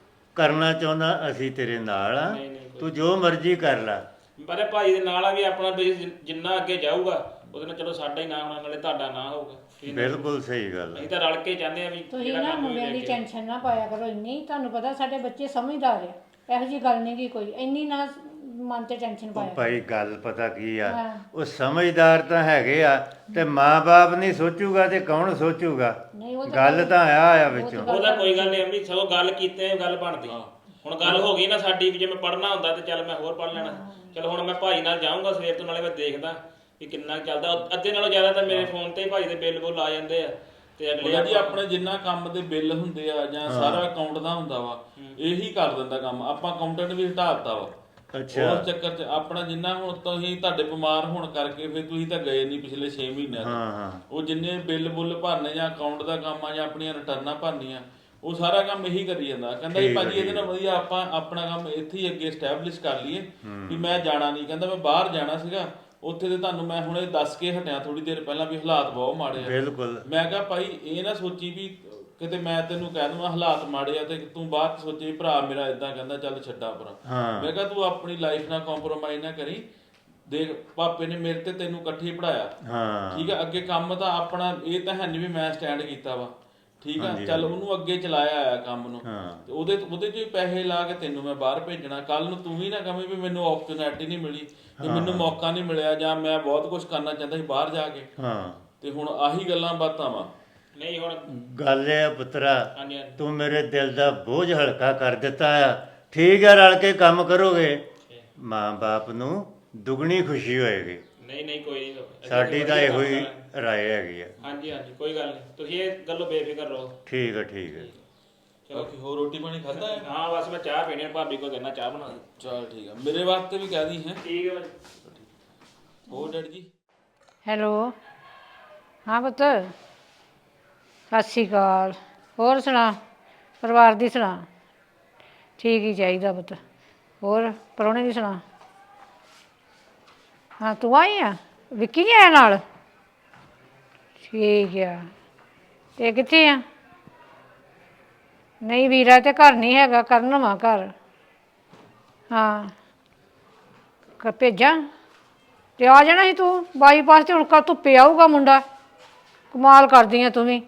[SPEAKER 2] ਕਰਨਾ ਚਾਹੁੰਦਾ ਅਸੀਂ ਤੇਰੇ ਨਾਲ ਆ।
[SPEAKER 5] ਨਹੀਂ, ਨਹੀਂ,
[SPEAKER 2] ਤੂੰ ਜੋ ਮਰਜ਼ੀ ਕਰ ਲੈ।
[SPEAKER 5] ਪਰ ਇਹ ਭਾਜੀ ਦੇ ਨਾਲ ਆ ਵੀ ਆਪਣਾ ਬਿਜ਼ਨਸ ਜਿੰਨਾ ਅੱਗੇ ਜਾਊਗਾ ਉਹਦੇ ਨਾਲ ਚਲੋ ਸਾਡਾ ਹੀ ਨਾਂ ਹੋਣਾ, ਨਾਲੇ ਤੁਹਾਡਾ ਨਾਂ ਹੋਊਗਾ।
[SPEAKER 2] ਬਿਲਕੁਲ ਸਹੀ ਗੱਲ ਆ।
[SPEAKER 5] ਅਸੀਂ ਤਾਂ ਰਲ ਕੇ ਚਾਹੁੰਦੇ ਆ ਵੀ
[SPEAKER 1] ਤੁਸੀਂ ਨਾ ਮੁੰਡਿਆਂ ਦੀ ਟੈਨਸ਼ਨ ਨਾ ਪਾਇਆ ਕਰੋ ਇੰਨੀ। ਤੁਹਾਨੂੰ ਪਤਾ ਸਾਡੇ ਬੱਚੇ ਸਮਝਦਾਰ ਆ, ਇਹੋ ਜੀ ਗੱਲ ਨਹੀਂ ਗੀ ਕੋਈ। ਇੰਨੀ ਨਾ ਮਨ ਤੇ ਟੈਨਸ਼ਨ ਪਾਇਆ ਕਰੋ।
[SPEAKER 2] ਭਾਈ ਗੱਲ ਪਤਾ ਕੀ ਆ,
[SPEAKER 1] ਹਾਂ।
[SPEAKER 2] ਉਹ ਸਮਝਦਾਰ ਤਾਂ ਹੈਗੇ ਆ, ਤੇ ਮਾਂ-ਬਾਪ ਨਹੀਂ ਸੋਚੂਗਾ ਤੇ ਕੌਣ ਸੋਚੂਗਾ?
[SPEAKER 1] ਨਹੀਂ ਉਹ ਤਾਂ
[SPEAKER 2] ਗੱਲ ਤਾਂ ਆ ਆ ਵਿੱਚੋਂ।
[SPEAKER 5] ਉਹਦਾ ਕੋਈ ਗੱਲ ਨਹੀਂ ਅੰਮੀ, ਸਗੋਂ ਗੱਲ ਕੀਤੇ ਗੱਲ ਬਣਦੀ। ਹੁਣ ਗੱਲ ਹੋ ਗਈ ਨਾ ਸਾਡੀ ਵੀ ਜੇ ਮੈਂ ਪੜ੍ਹਨਾ ਹੁੰਦਾ ਤੇ ਚੱਲ ਮੈਂ ਹੋਰ ਪੜ੍ਹ ਲੈਣਾ। ਚਲੋ ਹੁਣ ਮੈਂ ਭਾਈ ਨਾਲ ਜਾਊਂਗਾ ਸਵੇਰ ਤੋਂ, ਨਾਲੇ ਮੈਂ ਦੇਖਦਾ ਵੀ ਕਿੰਨਾ ਚੱਲਦਾ। ਅੱਧੇ ਨਾਲੋਂ ਜ਼ਿਆਦਾ ਤਾਂ ਮੇਰੇ ਫੋਨ ਤੇ ਹੀ ਭਾਈ ਦੇ ਬਿੱਲ ਬੁੱਲ ਆ ਜਾਂਦੇ ਆ ਤੇ ਅਗਲੇ
[SPEAKER 4] ਜੀ ਆਪਣੇ ਜਿੰਨਾ ਕੰਮ ਦੇ ਬਿੱਲ ਹੁੰਦੇ ਆ ਜਾਂ ਸਾਰਾ ਅਕਾਊਂਟ ਦਾ ਹੁੰਦਾ ਵਾ, ਇਹੀ ਕਰ ਦਿੰਦਾ ਕੰਮ। ਆਪਾਂ ਅਕਾਊਂਟੈਂਟ ਵੀ ਹਟਾ ਦਿੱਤਾ ਵਾ।
[SPEAKER 2] ਅੱਛਾ।
[SPEAKER 4] ਉਸ ਚੱਕਰ 'ਚ ਆਪਣਾ ਜਿੰਨਾ ਹੁਣ ਤੁਸੀਂ ਤੁਹਾਡੇ ਬਿਮਾਰ ਹੋਣ ਕਰਕੇ ਫਿਰ ਤੁਸੀਂ ਤਾਂ ਗਏ ਨਹੀਂ ਪਿਛਲੇ ਛੇ ਮਹੀਨਿਆਂ ਤੋਂ।
[SPEAKER 2] ਹਾਂ ਹਾਂ।
[SPEAKER 4] ਉਹ ਜਿੰਨੇ ਬਿੱਲ ਬੁੱਲ ਭਰਨੇ ਜਾਂ ਅਕਾਊਂਟ ਦਾ ਕੰਮ ਆ ਜਾਂ ਆਪਣੀਆਂ ਰਿਟਰਨਾਂ ਭਰਨੀਆਂ, ਉਹ ਸਾਰਾ ਕੰਮ ਇਹੀ ਕਰੀ ਜਾਂਦਾ। ਕਹਿੰਦਾ ਜੀ ਭਾਜੀ ਇਹਦੇ ਨਾਲ ਵਧੀਆ ਆਪਾਂ ਆਪਣਾ ਕੰਮ ਇੱਥੇ ਹੀ ਅੱਗੇ ਸਟੈਬਲਿਸ਼ ਕਰ ਲਈਏ ਵੀ ਮੈਂ ਜਾਣਾ ਨਹੀਂ। ਕਹਿੰਦਾ ਮੈਂ ਬਾਹਰ ਜਾਣਾ ਸੀਗਾ, ਉੱਥੇ ਤੇ ਤੁਹਾਨੂੰ ਮੈਂ ਹੁਣੇ ਦੱਸ ਕੇ ਹਟਿਆ ਥੋੜੀ ਦੇਰ ਪਹਿਲਾਂ ਵੀ ਹਾਲਾਤ ਬਹੁਤ ਮਾੜੇ ਆ।
[SPEAKER 2] ਬਿਲਕੁਲ।
[SPEAKER 4] ਮੈਂ ਕਿਹਾ ਭਾਈ ਇਹ ਨਾ ਸੋਚੀ ਵੀ ਕਿਤੇ ਮੈਂ ਤੈਨੂੰ ਕਹਿ ਦਵਾਂ ਹਾਲਾਤ ਮਾੜੇ ਆ ਤੇ ਤੂੰ ਬਾਅਦ ਸੋਚੇ ਭਰਾ ਮੇਰਾ ਇਦਾਂ ਕਹਿੰਦਾ ਚੱਲ ਛੱਡਾ ਪਰਾਂ।
[SPEAKER 2] ਹਾਂ।
[SPEAKER 4] ਮੈਂ ਕਿਹਾ ਤੂੰ ਆਪਣੀ ਲਾਈਫ ਨਾਲ ਕੰਪਰੋਮਾਈਜ਼ ਨਾ ਕਰੀ। ਦੇਖ ਪਾਪੇ ਨੇ ਮੇਰੇ ਤੇ ਤੈਨੂੰ ਇਕੱਠੇ ਪੜਾਇਆ।
[SPEAKER 2] ਹਾਂ।
[SPEAKER 4] ਠੀਕ ਆ, ਅੱਗੇ ਕੰਮ ਤਾਂ ਆਪਣਾ ਇਹ ਤਾਂ ਹੈ ਨਹੀਂ ਵੀ ਮੈਂ ਸਟੈਂਡ ਕੀਤਾ ਵਾ। ਠੀਕ ਆ, ਚੱਲ ਉਹਨੂੰ ਅੱਗੇ ਚਲਾਇਆ ਆ ਕੰਮ ਨੂੰ, ਤੇ ਉਹਦੇ ਉਹਦੇ 'ਚ ਵੀ ਪੈਸੇ ਲਾ ਕੇ ਤੈਨੂੰ ਮੈਂ ਬਾਹਰ ਭੇਜਣਾ। ਕੱਲ ਨੂੰ ਤੂੰ ਵੀ ਨਾ ਕਵੇਂ ਵੀ ਮੈਨੂੰ ਓਪਰਚੁਨਿਟੀ ਨਹੀਂ ਮਿਲੀ ਤੇ ਮੈਨੂੰ ਮੌਕਾ ਨਹੀਂ ਮਿਲਿਆ ਜਾਂ ਮੈਂ ਬਹੁਤ ਕੁਝ ਕਰਨਾ ਚਾਹੁੰਦਾ ਸੀ ਬਾਹਰ ਜਾ ਕੇ।
[SPEAKER 2] ਹਾਂ।
[SPEAKER 4] ਤੇ ਹੁਣ ਆਹੀ ਗੱਲਾਂ ਬਾਤਾਂ ਵਾ।
[SPEAKER 5] ਨਹੀਂ ਹੁਣ
[SPEAKER 2] ਗੱਲ ਇਹ ਆ ਪੁੱਤਰਾ,
[SPEAKER 5] ਹਾਂਜੀ ਹਾਂਜੀ
[SPEAKER 2] ਤੂੰ ਮੇਰੇ ਦਿਲ ਦਾ ਬੋਝ ਹਲਕਾ ਕਰ ਦਿੱਤਾ ਆ। ਠੀਕ ਆ, ਰਲ ਕੇ ਕੰਮ ਕਰੋਗੇ, ਮਾਂ-ਬਾਪ ਨੂੰ ਦੁੱਗਣੀ ਖੁਸ਼ੀ ਹੋਏਗੀ।
[SPEAKER 5] ਨਹੀਂ ਨਹੀਂ ਕੋਈ ਨਹੀਂ,
[SPEAKER 2] ਸਾਡੀ ਤਾਂ ਇਹੋ ਹੀ ਰਾਏ ਹੈਗੀ ਆ।
[SPEAKER 5] ਹਾਂਜੀ ਹਾਂਜੀ ਕੋਈ ਗੱਲ ਨਹੀਂ, ਤੁਸੀਂ ਇਹ ਗੱਲੋਂ ਬੇਫਿਕਰ ਰਹੋ।
[SPEAKER 2] ਠੀਕ ਆ ਠੀਕ ਆ।
[SPEAKER 4] ਬਾਕੀ ਹੋਰ ਰੋਟੀ ਪਾਣੀ ਖਾਦਾ ਹੈ?
[SPEAKER 5] ਹਾਂ ਬਸ ਮੈਂ ਚਾਹ ਪੀਣੀ ਆ, ਭਾਬੀ ਕੋ ਕਹਿਣਾ ਚਾਹ ਬਣਾ ਦੇ।
[SPEAKER 4] ਚਲ ਠੀਕ ਆ, ਮੇਰੇ ਵਾਸਤੇ ਵੀ ਕਹਿ ਦੀ ਹੈ।
[SPEAKER 5] ਠੀਕ ਹੈ ਭਾਜੀ।
[SPEAKER 4] ਹੋਰ ਡੈਡੀ ਜੀ?
[SPEAKER 1] ਹੈਲੋ, ਹਾਂ ਪੁੱਤ, ਸਤਿ ਸ਼੍ਰੀ ਅਕਾਲ। ਹੋਰ ਸੁਣਾ, ਪਰਿਵਾਰ ਦੀ ਸੁਣਾ? ਠੀਕ ਹੀ ਚਾਹੀਦਾ ਪੁੱਤ। ਹੋਰ ਪ੍ਰਾਹੁਣੇ ਦੀ ਸੁਣਾ? ਹਾਂ ਤੂੰ ਆਈ ਆ, ਵਿੱਕੀ ਨਹੀਂ ਆਇਆ ਨਾਲ? ਠੀਕ ਆ। ਤੇ ਕਿੱਥੇ ਆ? ਨਹੀਂ ਵੀਰਾ ਤੇ ਘਰ ਨਹੀਂ ਹੈਗਾ, ਕਰਨ ਵਾ ਘਰ। ਹਾਂ ਕ ਭੇਜਾਂ? ਤੇ ਆ ਜਾਣਾ ਸੀ ਤੂੰ ਬਾਈਪਾਸ ਤੇ। ਹੁਣ ਕੱਲ ਧੁੱਪੇ ਆਊਗਾ ਮੁੰਡਾ। ਕਮਾਲ ਕਰਦੀ ਆ ਤੂੰ ਵੀ।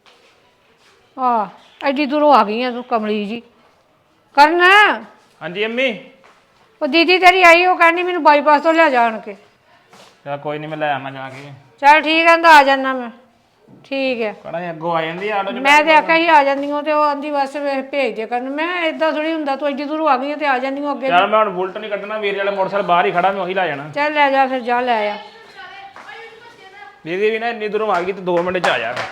[SPEAKER 1] ਆ ਐਡੀ ਦੂਰੋਂ ਆ ਗਈ ਆ ਤੂੰ ਕਮਲੀ ਜੀ। ਕਰਨ,
[SPEAKER 5] ਹਾਂਜੀ ਅੰਮੀ।
[SPEAKER 1] ਉਹ ਦੀਦੀ ਤੇਰੀ ਆਈ, ਉਹ ਕਹਿੰਦੀ ਮੈਨੂੰ ਬਾਈਪਾਸ ਤੋਂ ਲਿਆ ਜਾਣ ਕੇ।
[SPEAKER 5] ਚਲ ਕੋਈ ਨਹੀਂ, ਮੈਂ ਲੈ ਆਵਾਂ ਜਾ ਕੇ।
[SPEAKER 1] ਚੱਲ ਠੀਕ ਕਹਿੰਦਾ, ਆ ਜਾਣਾ ਮੈਂ। ਠੀਕ ਹੈ।
[SPEAKER 5] ਕਹਣਾ ਅੱਗੋਂ ਆ ਜਾਂਦੀ ਆਟੋ ਚ।
[SPEAKER 1] ਮੈਂ ਤੇ ਆਖਿਆ ਸੀ ਆ ਜਾਂਦੀ ਹਾਂ, ਤੇ ਉਹ ਆਂਦੀ ਬਸ ਭੇਜ ਦੇ ਕਰਨ। ਮੈਂ ਏਦਾਂ ਥੋੜੀ ਹੁੰਦਾ, ਤੂੰ ਐਡੀ ਦੂਰੋਂ ਆ ਗਈ ਆ ਤੇ ਆ ਜਾਂਦੀ ਹਾਂ ਅੱਗੇ।
[SPEAKER 5] ਚੱਲ ਮੈਂ ਹੁਣ ਬੁਲਟ ਨਹੀਂ ਕੱਢਣਾ, ਵੀਰ ਵਾਲੇ ਮੋਟਰਸਾਈਕਲ ਬਾਹਰ ਹੀ ਖੜਾ, ਮੈਂ ਉਹੀ ਲੈ ਜਾਣਾ।
[SPEAKER 1] ਚੱਲ ਲੈ ਜਾ ਫਿਰ, ਜਾ ਲੈ ਆ।
[SPEAKER 5] ਦੀਦੀ ਵੀ ਨਾ ਇੰਨੀ ਦੂਰੋਂ ਆ ਗਈ ਤੇ ਦੋ ਮਿੰਟ ਚ ਆ ਜਾ।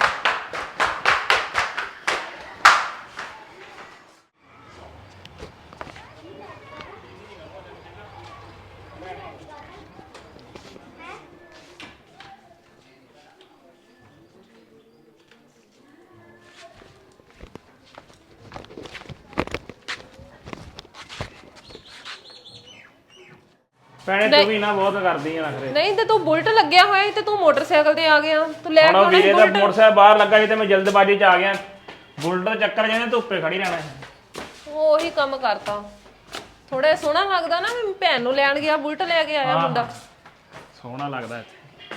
[SPEAKER 5] ਭੈਣੇ ਤੂੰ ਵੀ ਨਾ ਬਹੁਤ ਕਰਦੀ ਆ ਨਖਰੇ।
[SPEAKER 6] ਨਹੀਂ ਤੇ ਤੂੰ ਬੁਲਟ ਲੱਗਿਆ ਹੋਇਆ ਸੀ ਤੇ ਤੂੰ ਮੋਟਰਸਾਈਕਲ ਤੇ ਆ ਗਿਆ। ਤੂੰ ਲੈ ਕੇ
[SPEAKER 5] ਹੁਣ
[SPEAKER 6] ਆਉਣਾ ਸੀ
[SPEAKER 5] ਵੀਰੇ ਦਾ
[SPEAKER 6] ਬੁਲਟ।
[SPEAKER 5] ਮੋਟਰਸਾਈਕਲ ਬਾਹਰ ਲੱਗਾ ਸੀ ਤੇ ਮੈਂ ਜਲਦਬਾਜ਼ੀ ਚ ਆ ਗਿਆ। ਬੁਲਟ ਦਾ ਚੱਕਰ ਜਾਂਦੇ ਧੁੱਪੇ ਖੜੀ ਰਹਿਣਾ।
[SPEAKER 6] ਉਹੀ ਕੰਮ ਕਰਤਾ। ਥੋੜਾ ਸੋਹਣਾ ਲੱਗਦਾ ਨਾ, ਵੀ ਭੈਣ ਨੂੰ ਲੈਣ ਗਿਆ ਬੁਲਟ ਲੈ ਕੇ ਆਇਆ ਮੁੰਡਾ।
[SPEAKER 5] ਸੋਹਣਾ ਲੱਗਦਾ ਇੱਥੇ।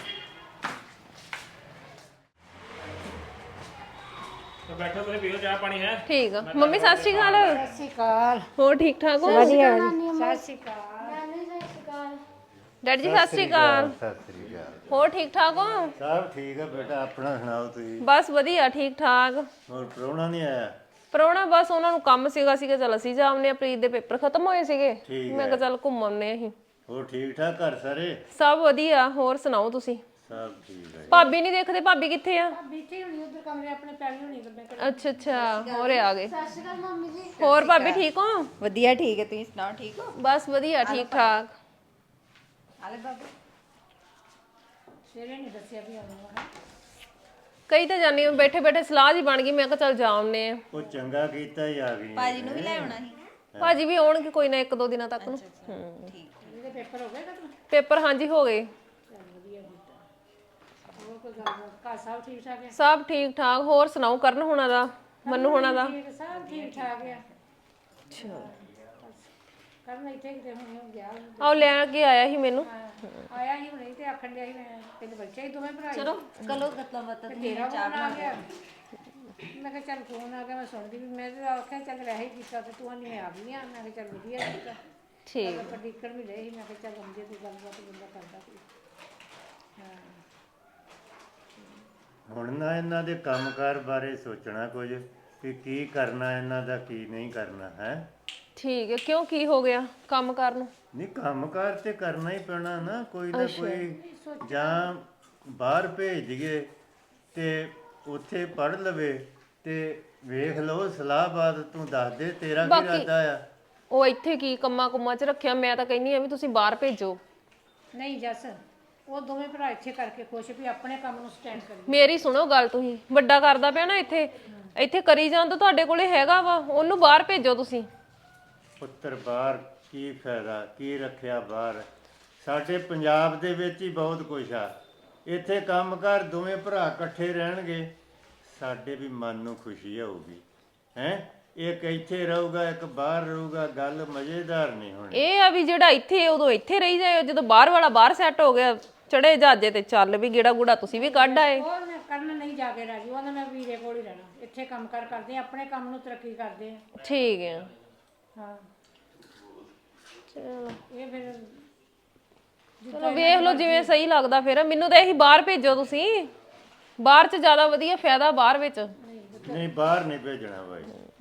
[SPEAKER 5] ਤੇ ਬੈਠੋ ਤੁਸੀਂ ਪੀਓ ਚਾਹ ਪਾਣੀ ਹੈ।
[SPEAKER 6] ਠੀਕ ਆ ਮੰਮੀ, ਸਤਿ ਸ਼੍ਰੀ ਅਕਾਲ।
[SPEAKER 1] ਸਤਿ ਸ਼੍ਰੀ ਅਕਾਲ।
[SPEAKER 6] ਹੋਰ ਠੀਕ ਠਾਕ ਹੋ?
[SPEAKER 1] ਵਧੀਆ ਵਧੀਆ। ਸਤਿ ਸ਼੍ਰੀ ਅਕਾਲ।
[SPEAKER 6] ਡੈਡੀ ਜੀ ਸਤਿ ਸ਼੍ਰੀ ਅਕਾਲ।
[SPEAKER 2] ਸਤਿ ਸ੍ਰੀ ਅਕਾਲ।
[SPEAKER 6] ਹੋਰ ਠੀਕ ਠਾਕ ਹੋ?
[SPEAKER 2] ਸਭ ਠੀਕ ਹੈ ਬੇਟਾ, ਆਪਣਾ ਸੁਣਾਓ ਤੁਸੀਂ?
[SPEAKER 6] ਬਸ ਵਧੀਆ, ਠੀਕ ਠਾਕ।
[SPEAKER 2] ਹੋਰ ਪ੍ਰਾਹੁਣਾ ਨਹੀਂ ਆਇਆ?
[SPEAKER 6] ਪ੍ਰਾਹੁਣਾ ਬਸ ਉਹਨਾਂ ਨੂੰ ਕੰਮ ਸੀਗਾ ਸੀਗਾ ਚਲ ਅਸੀਂ ਜਾ ਆਉਂਦੇ ਆ। ਪ੍ਰੀਤ ਦੇ ਪੇਪਰ ਖਤਮ ਹੋਏ ਸੀਗੇ, ਮੈਂ ਕਿਹਾ ਚੱਲ ਘੁੰਮ ਆਉਂਦੇ ਅਸੀਂ।
[SPEAKER 2] ਹੋਰ ਠੀਕ ਠਾਕ ਘਰ ਸਾਰੇ?
[SPEAKER 6] ਸਭ ਵਧੀਆ। ਹੋਰ ਸੁਣਾਓ ਤੁਸੀਂ?
[SPEAKER 2] ਸਭ ਠੀਕ ਹੈ।
[SPEAKER 6] ਭਾਬੀ ਨਹੀਂ ਦੇਖਦੇ, ਭਾਬੀ ਕਿੱਥੇ ਆ?
[SPEAKER 1] ਬੀਠੀ ਹੋਣੀ ਉਧਰ ਕਮਰੇ ਆਪਣੇ ਪੈਲੀ ਹੋਣੀ ਤੇ।
[SPEAKER 6] ਅੱਛਾ ਅੱਛਾ, ਹੋਰੇ ਆ ਗਏ। ਸਤਿ ਸ਼੍ਰੀ ਅਕਾਲ ਮੰਮੀ ਜੀ। ਹੋਰ ਭਾਬੀ ਠੀਕ ਹੋ?
[SPEAKER 3] ਵਧੀਆ, ਠੀਕ ਹੈ। ਤੁਸੀਂ ਸੁਣਾਓ, ਠੀਕ ਹੋ?
[SPEAKER 6] ਬਸ ਵਧੀਆ, ਠੀਕ ਠਾਕ।
[SPEAKER 3] ਆਲੇ ਬਾਬੂ
[SPEAKER 1] ਸਵੇਰੇ ਨਹੀਂ ਦੱਸਿਆ ਵੀ ਆਉਣਾ।
[SPEAKER 6] ਕਈ ਤਾਂ ਜਾਨੀ ਬੈਠੇ ਬੈਠੇ ਸਲਾਹ ਜੀ ਬਣ ਗਈ, ਮੈਂ ਕਿਹਾ ਚੱਲ ਜਾ ਆਉਂਦੇ ਆ।
[SPEAKER 2] ਉਹ ਚੰਗਾ ਕੀਤਾ ਹੀ ਆ ਗਈ।
[SPEAKER 3] ਭਾਜੀ ਨੂੰ ਵੀ ਲੈ ਆਉਣਾ ਸੀ।
[SPEAKER 6] ਭਾਜੀ ਵੀ ਆਉਣਗੇ ਕੋਈ ਨਾ ਇੱਕ ਦੋ ਦਿਨਾਂ ਤੱਕ ਨੂੰ। ਹੂੰ
[SPEAKER 3] ਠੀਕ।
[SPEAKER 1] ਇਹਦੇ ਪੇਪਰ ਹੋ ਗਏ ਖਤਮ?
[SPEAKER 6] ਪੇਪਰ ਹਾਂਜੀ ਹੋ ਗਏ।
[SPEAKER 1] ਹੋਰ ਕੋਈ ਗੱਲਬਾਤ? ਘਰ ਸਭ ਠੀਕ ਠਾਕ ਹੈ?
[SPEAKER 6] ਸਭ ਠੀਕ ਠਾਕ। ਹੋਰ ਸੁਣਾਓ ਕਰਨ ਹੋਣਾ ਦਾ, ਮੰਨੂ ਹੋਣਾ ਦਾ?
[SPEAKER 1] ਠੀਕ, ਸਭ ਠੀਕ ਠਾਕ ਹੈ।
[SPEAKER 6] ਅੱਛਾ,
[SPEAKER 1] ਕਰਨ ਇੱਥੇ ਕਿਤੇ ਹੁਣੇ ਹੋ ਗਿਆ।
[SPEAKER 6] ਆਹ ਲੈ ਕੇ ਆਇਆ ਸੀ ਮੈਨੂੰ।
[SPEAKER 1] ਆਇਆ ਹੀ ਹੁਣੇ ਤੇ ਆਖਣ ਡਿਆ ਸੀ ਮੈਂ ਤਿੰਨ ਬੱਚੇ ਹੀ ਦੋਵੇਂ ਭਰਾ।
[SPEAKER 3] ਚਲੋ ਕਲੋ ਗੱਲਾਂ ਬਾਤਾਂ।
[SPEAKER 1] ਤੇਰਾ ਫੋਨ ਆ ਗਿਆ। ਮੈਂ ਕਿਹਾ ਚੱਲ ਫੋਨ ਆ ਗਿਆ, ਮੈਂ ਸੁਣਦੀ ਵੀ। ਮੈਂ ਤਾਂ ਆਖਿਆ ਚੱਲ ਵੈਸੇ ਹੀ ਕੀਤਾ ਤੇ ਤੂੰ ਨਹੀਂ ਆ ਗਈ ਆ। ਮੈਂ ਕਿਹਾ ਚੱਲ ਵਧੀਆ ਕੀਤਾ।
[SPEAKER 6] ਠੀਕ।
[SPEAKER 1] ਆਪਾਂ ਡਿੱਕਣ ਵੀ ਰਹੇ ਸੀ। ਮੈਂ ਕਿਹਾ ਚੱਲ ਆਉਂਦੀ ਕੋਈ ਗੱਲਬਾਤ ਬੰਦਾ ਕਰਦਾ ਕੋਈ। ਹਾਂ
[SPEAKER 2] ਹੁਣ ਨਾ ਇਹਨਾਂ ਦੇ ਕੰਮਕਾਰ ਬਾਰੇ ਸੋਚਣਾ ਕੁਝ, ਕਿ ਕੀ ਕਰਨਾ ਇਹਨਾਂ ਦਾ, ਕੀ ਨਹੀਂ ਕਰਨਾ ਹੈ।
[SPEAKER 6] ਠੀਕ ਹੈ। ਕਿਉਂ, ਕੀ ਹੋ ਗਿਆ ਕੰਮ ਕਰਨ ਨੂੰ?
[SPEAKER 2] ਨਹੀਂ ਕੰਮਕਾਰ ਤੇ ਕਰਨਾ ਹੀ ਪੈਣਾ ਨਾ, ਕੋਈ ਨਾ ਕੋਈ। ਜਾਂ ਬਾਹਰ ਭੇਜ ਦਈਏ ਤੇ ਉੱਥੇ ਪੜ੍ਹ ਲਵੇ ਤੇ ਵੇਖ ਲਓ। ਸਲਾਹਬਾਦ ਤੂੰ ਦੱਸ ਦੇ, ਤੇਰਾ ਕੀ
[SPEAKER 6] ਬਾਕੀ-
[SPEAKER 2] ਇਰਾਦਾ ਆ?
[SPEAKER 6] ਉਹ ਇੱਥੇ ਕੀ ਕੰਮਾਂ ਕੁੰਮਾਂ 'ਚ ਰੱਖਿਆ? ਮੈਂ ਤਾਂ ਕਹਿੰਦੀ ਆ ਵੀ ਤੁਸੀਂ ਬਾਹਰ ਭੇਜੋ।
[SPEAKER 1] ਨਹੀਂ ਜੱਸ, ਉਹ ਦੋਵੇਂ ਭਰਾ ਇੱਥੇ ਕਰਕੇ ਖੁਸ਼ ਵੀ ਆਪਣੇ ਕੰਮ ਨੂੰ ਸਟੈਂਡ ਕਰੀ।
[SPEAKER 6] ਮੇਰੀ ਸੁਣੋ ਗੱਲ, ਤੁਸੀਂ ਵੱਡਾ ਕਰਦਾ ਪਿਆ ਨਾ ਇੱਥੇ ਇੱਥੇ ਕਰੀ ਜਾਣ ਤਾਂ ਤੁਹਾਡੇ ਕੋਲੇ ਹੈਗਾ ਵਾ, ਉਹਨੂੰ ਬਾਹਰ ਭੇਜੋ ਤੁਸੀਂ।
[SPEAKER 2] ਪੁੱਤਰ ਬਾਹਰ ਕੀ ਫਾਇਦਾ, ਕੀ ਰੱਖਿਆ ਬਾਹਰ? ਸਾਡੇ ਪੰਜਾਬ ਦੇ ਵਿੱਚ ਹੀ ਬਹੁਤ ਕੁਛ ਆ। ਇੱਥੇ ਕੰਮਕਾਰ ਦੋਵੇਂ ਭਰਾ ਇਕੱਠੇ ਰਹਿਣਗੇ, ਸਾਡੇ ਵੀ ਮਨ ਨੂੰ ਖੁਸ਼ੀ ਹੋਊਗੀ ਹੈ। ਇੱਕ ਇੱਥੇ ਰਹੂਗਾ, ਇੱਕ ਬਾਹਰ ਰਹੂਗਾ, ਗੱਲ ਮਜ਼ੇਦਾਰ ਨਹੀਂ ਹੋਣੀ।
[SPEAKER 6] ਇਹ ਆ ਵੀ ਜਿਹੜਾ ਇੱਥੇ ਉਦੋਂ ਇੱਥੇ ਰਹੀ ਜਾਏ, ਜਦੋਂ ਬਾਹਰ ਵਾਲਾ ਬਾਹਰ ਸੈੱਟ ਹੋ ਗਿਆ, ਚੜੇ ਜਹਾਜ਼ੇ ਤੇ ਚੱਲ ਵੀ ਗੇੜਾ ਗੂੜਾ ਤੁਸੀਂ ਵੀ ਕੱਢ ਆਏ।
[SPEAKER 1] ਉਹ ਮੈਂ ਕਰਨ ਨਹੀਂ ਜਾ ਕੇ ਰਾਜੀ। ਉਹਨੇ ਮੈਂ ਵੀਰੇ ਕੋਲ ਹੀ ਰਹਿਣਾ। ਇੱਥੇ ਕੰਮ ਕਾਰ ਕਰਦੇ ਆ, ਆਪਣੇ ਕੰਮ ਨੂੰ ਤਰੱਕੀ ਕਰਦੇ ਆ।
[SPEAKER 6] ਠੀਕ ਹੈ।
[SPEAKER 1] ਹਾਂ
[SPEAKER 6] ਚਲੋ
[SPEAKER 1] ਇਹ ਫਿਰ
[SPEAKER 6] ਚਲੋ ਵੇਖ ਲਓ ਜਿਵੇਂ ਸਹੀ ਲੱਗਦਾ। ਫਿਰ ਮੈਨੂੰ ਤਾਂ ਇਹੀ ਬਾਹਰ ਭੇਜੋ ਤੁਸੀਂ। ਬਾਹਰ 'ਚ ਜ਼ਿਆਦਾ ਵਧੀਆ ਫਾਇਦਾ ਬਾਹਰ ਵਿੱਚ।
[SPEAKER 2] ਨਹੀਂ ਬਾਹਰ ਨਹੀਂ ਭੇਜਣਾ ਬਾਈ।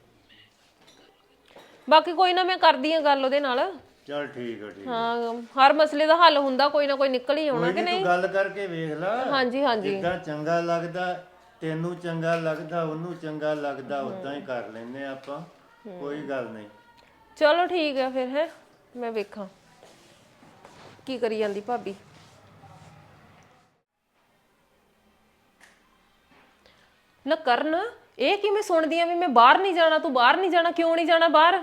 [SPEAKER 6] ਬਾਕੀ ਕੋਈ ਨਾ, ਮੈਂ ਕਰਦੀ ਆ ਗੱਲ ਉਹਦੇ ਨਾਲ।
[SPEAKER 2] ਚਲ ਠੀਕ ਹੈ, ਠੀਕ।
[SPEAKER 6] ਹਾਂ, ਹਰ ਮਸਲੇ ਦਾ ਹੱਲ ਹੁੰਦਾ, ਕੋਈ ਨਾ ਕੋਈ ਨਿਕਲ ਹੀ ਆਉਣਾ ਕਿ
[SPEAKER 2] ਕੋਈ ਨੀ,
[SPEAKER 6] ਨਹੀਂ?
[SPEAKER 2] ਤੂੰ ਗੱਲ ਕਰਕੇ ਵੇਖ ਲੈ।
[SPEAKER 6] ਹਾਂਜੀ ਹਾਂਜੀ
[SPEAKER 2] ਜਿੱਦਾਂ ਚੰਗਾ ਲੱਗਦਾ ਤੈਨੂੰ ਚੰਗਾ ਲੱਗਦਾ ਉਹਨੂੰ ਚੰਗਾ ਲੱਗਦਾ ਉਦਾਂ ਹੀ ਕਰ ਲੈਨੇ ਆਪਾਂ, ਕੋਈ ਗੱਲ ਨਹੀਂ।
[SPEAKER 6] ਚਲੋ ਠੀਕ ਆ ਫਿਰ ਹੈ, ਮੈਂ ਵੇਖਾਂ ਕੀ ਕਰੀ ਜਾਂਦੀ ਭਾਬੀ। ਨਾ ਕਰਨ, ਇਹ ਕਿਵੇਂ ਸੁਣਦੀ ਆ ਵੀ ਮੈਂ ਬਾਹਰ ਨਹੀਂ ਜਾਣਾ, ਤੂੰ ਬਾਹਰ ਨਹੀਂ ਜਾਣਾ, ਕਿਉਂ ਨਹੀਂ ਜਾਣਾ ਬਾਹਰ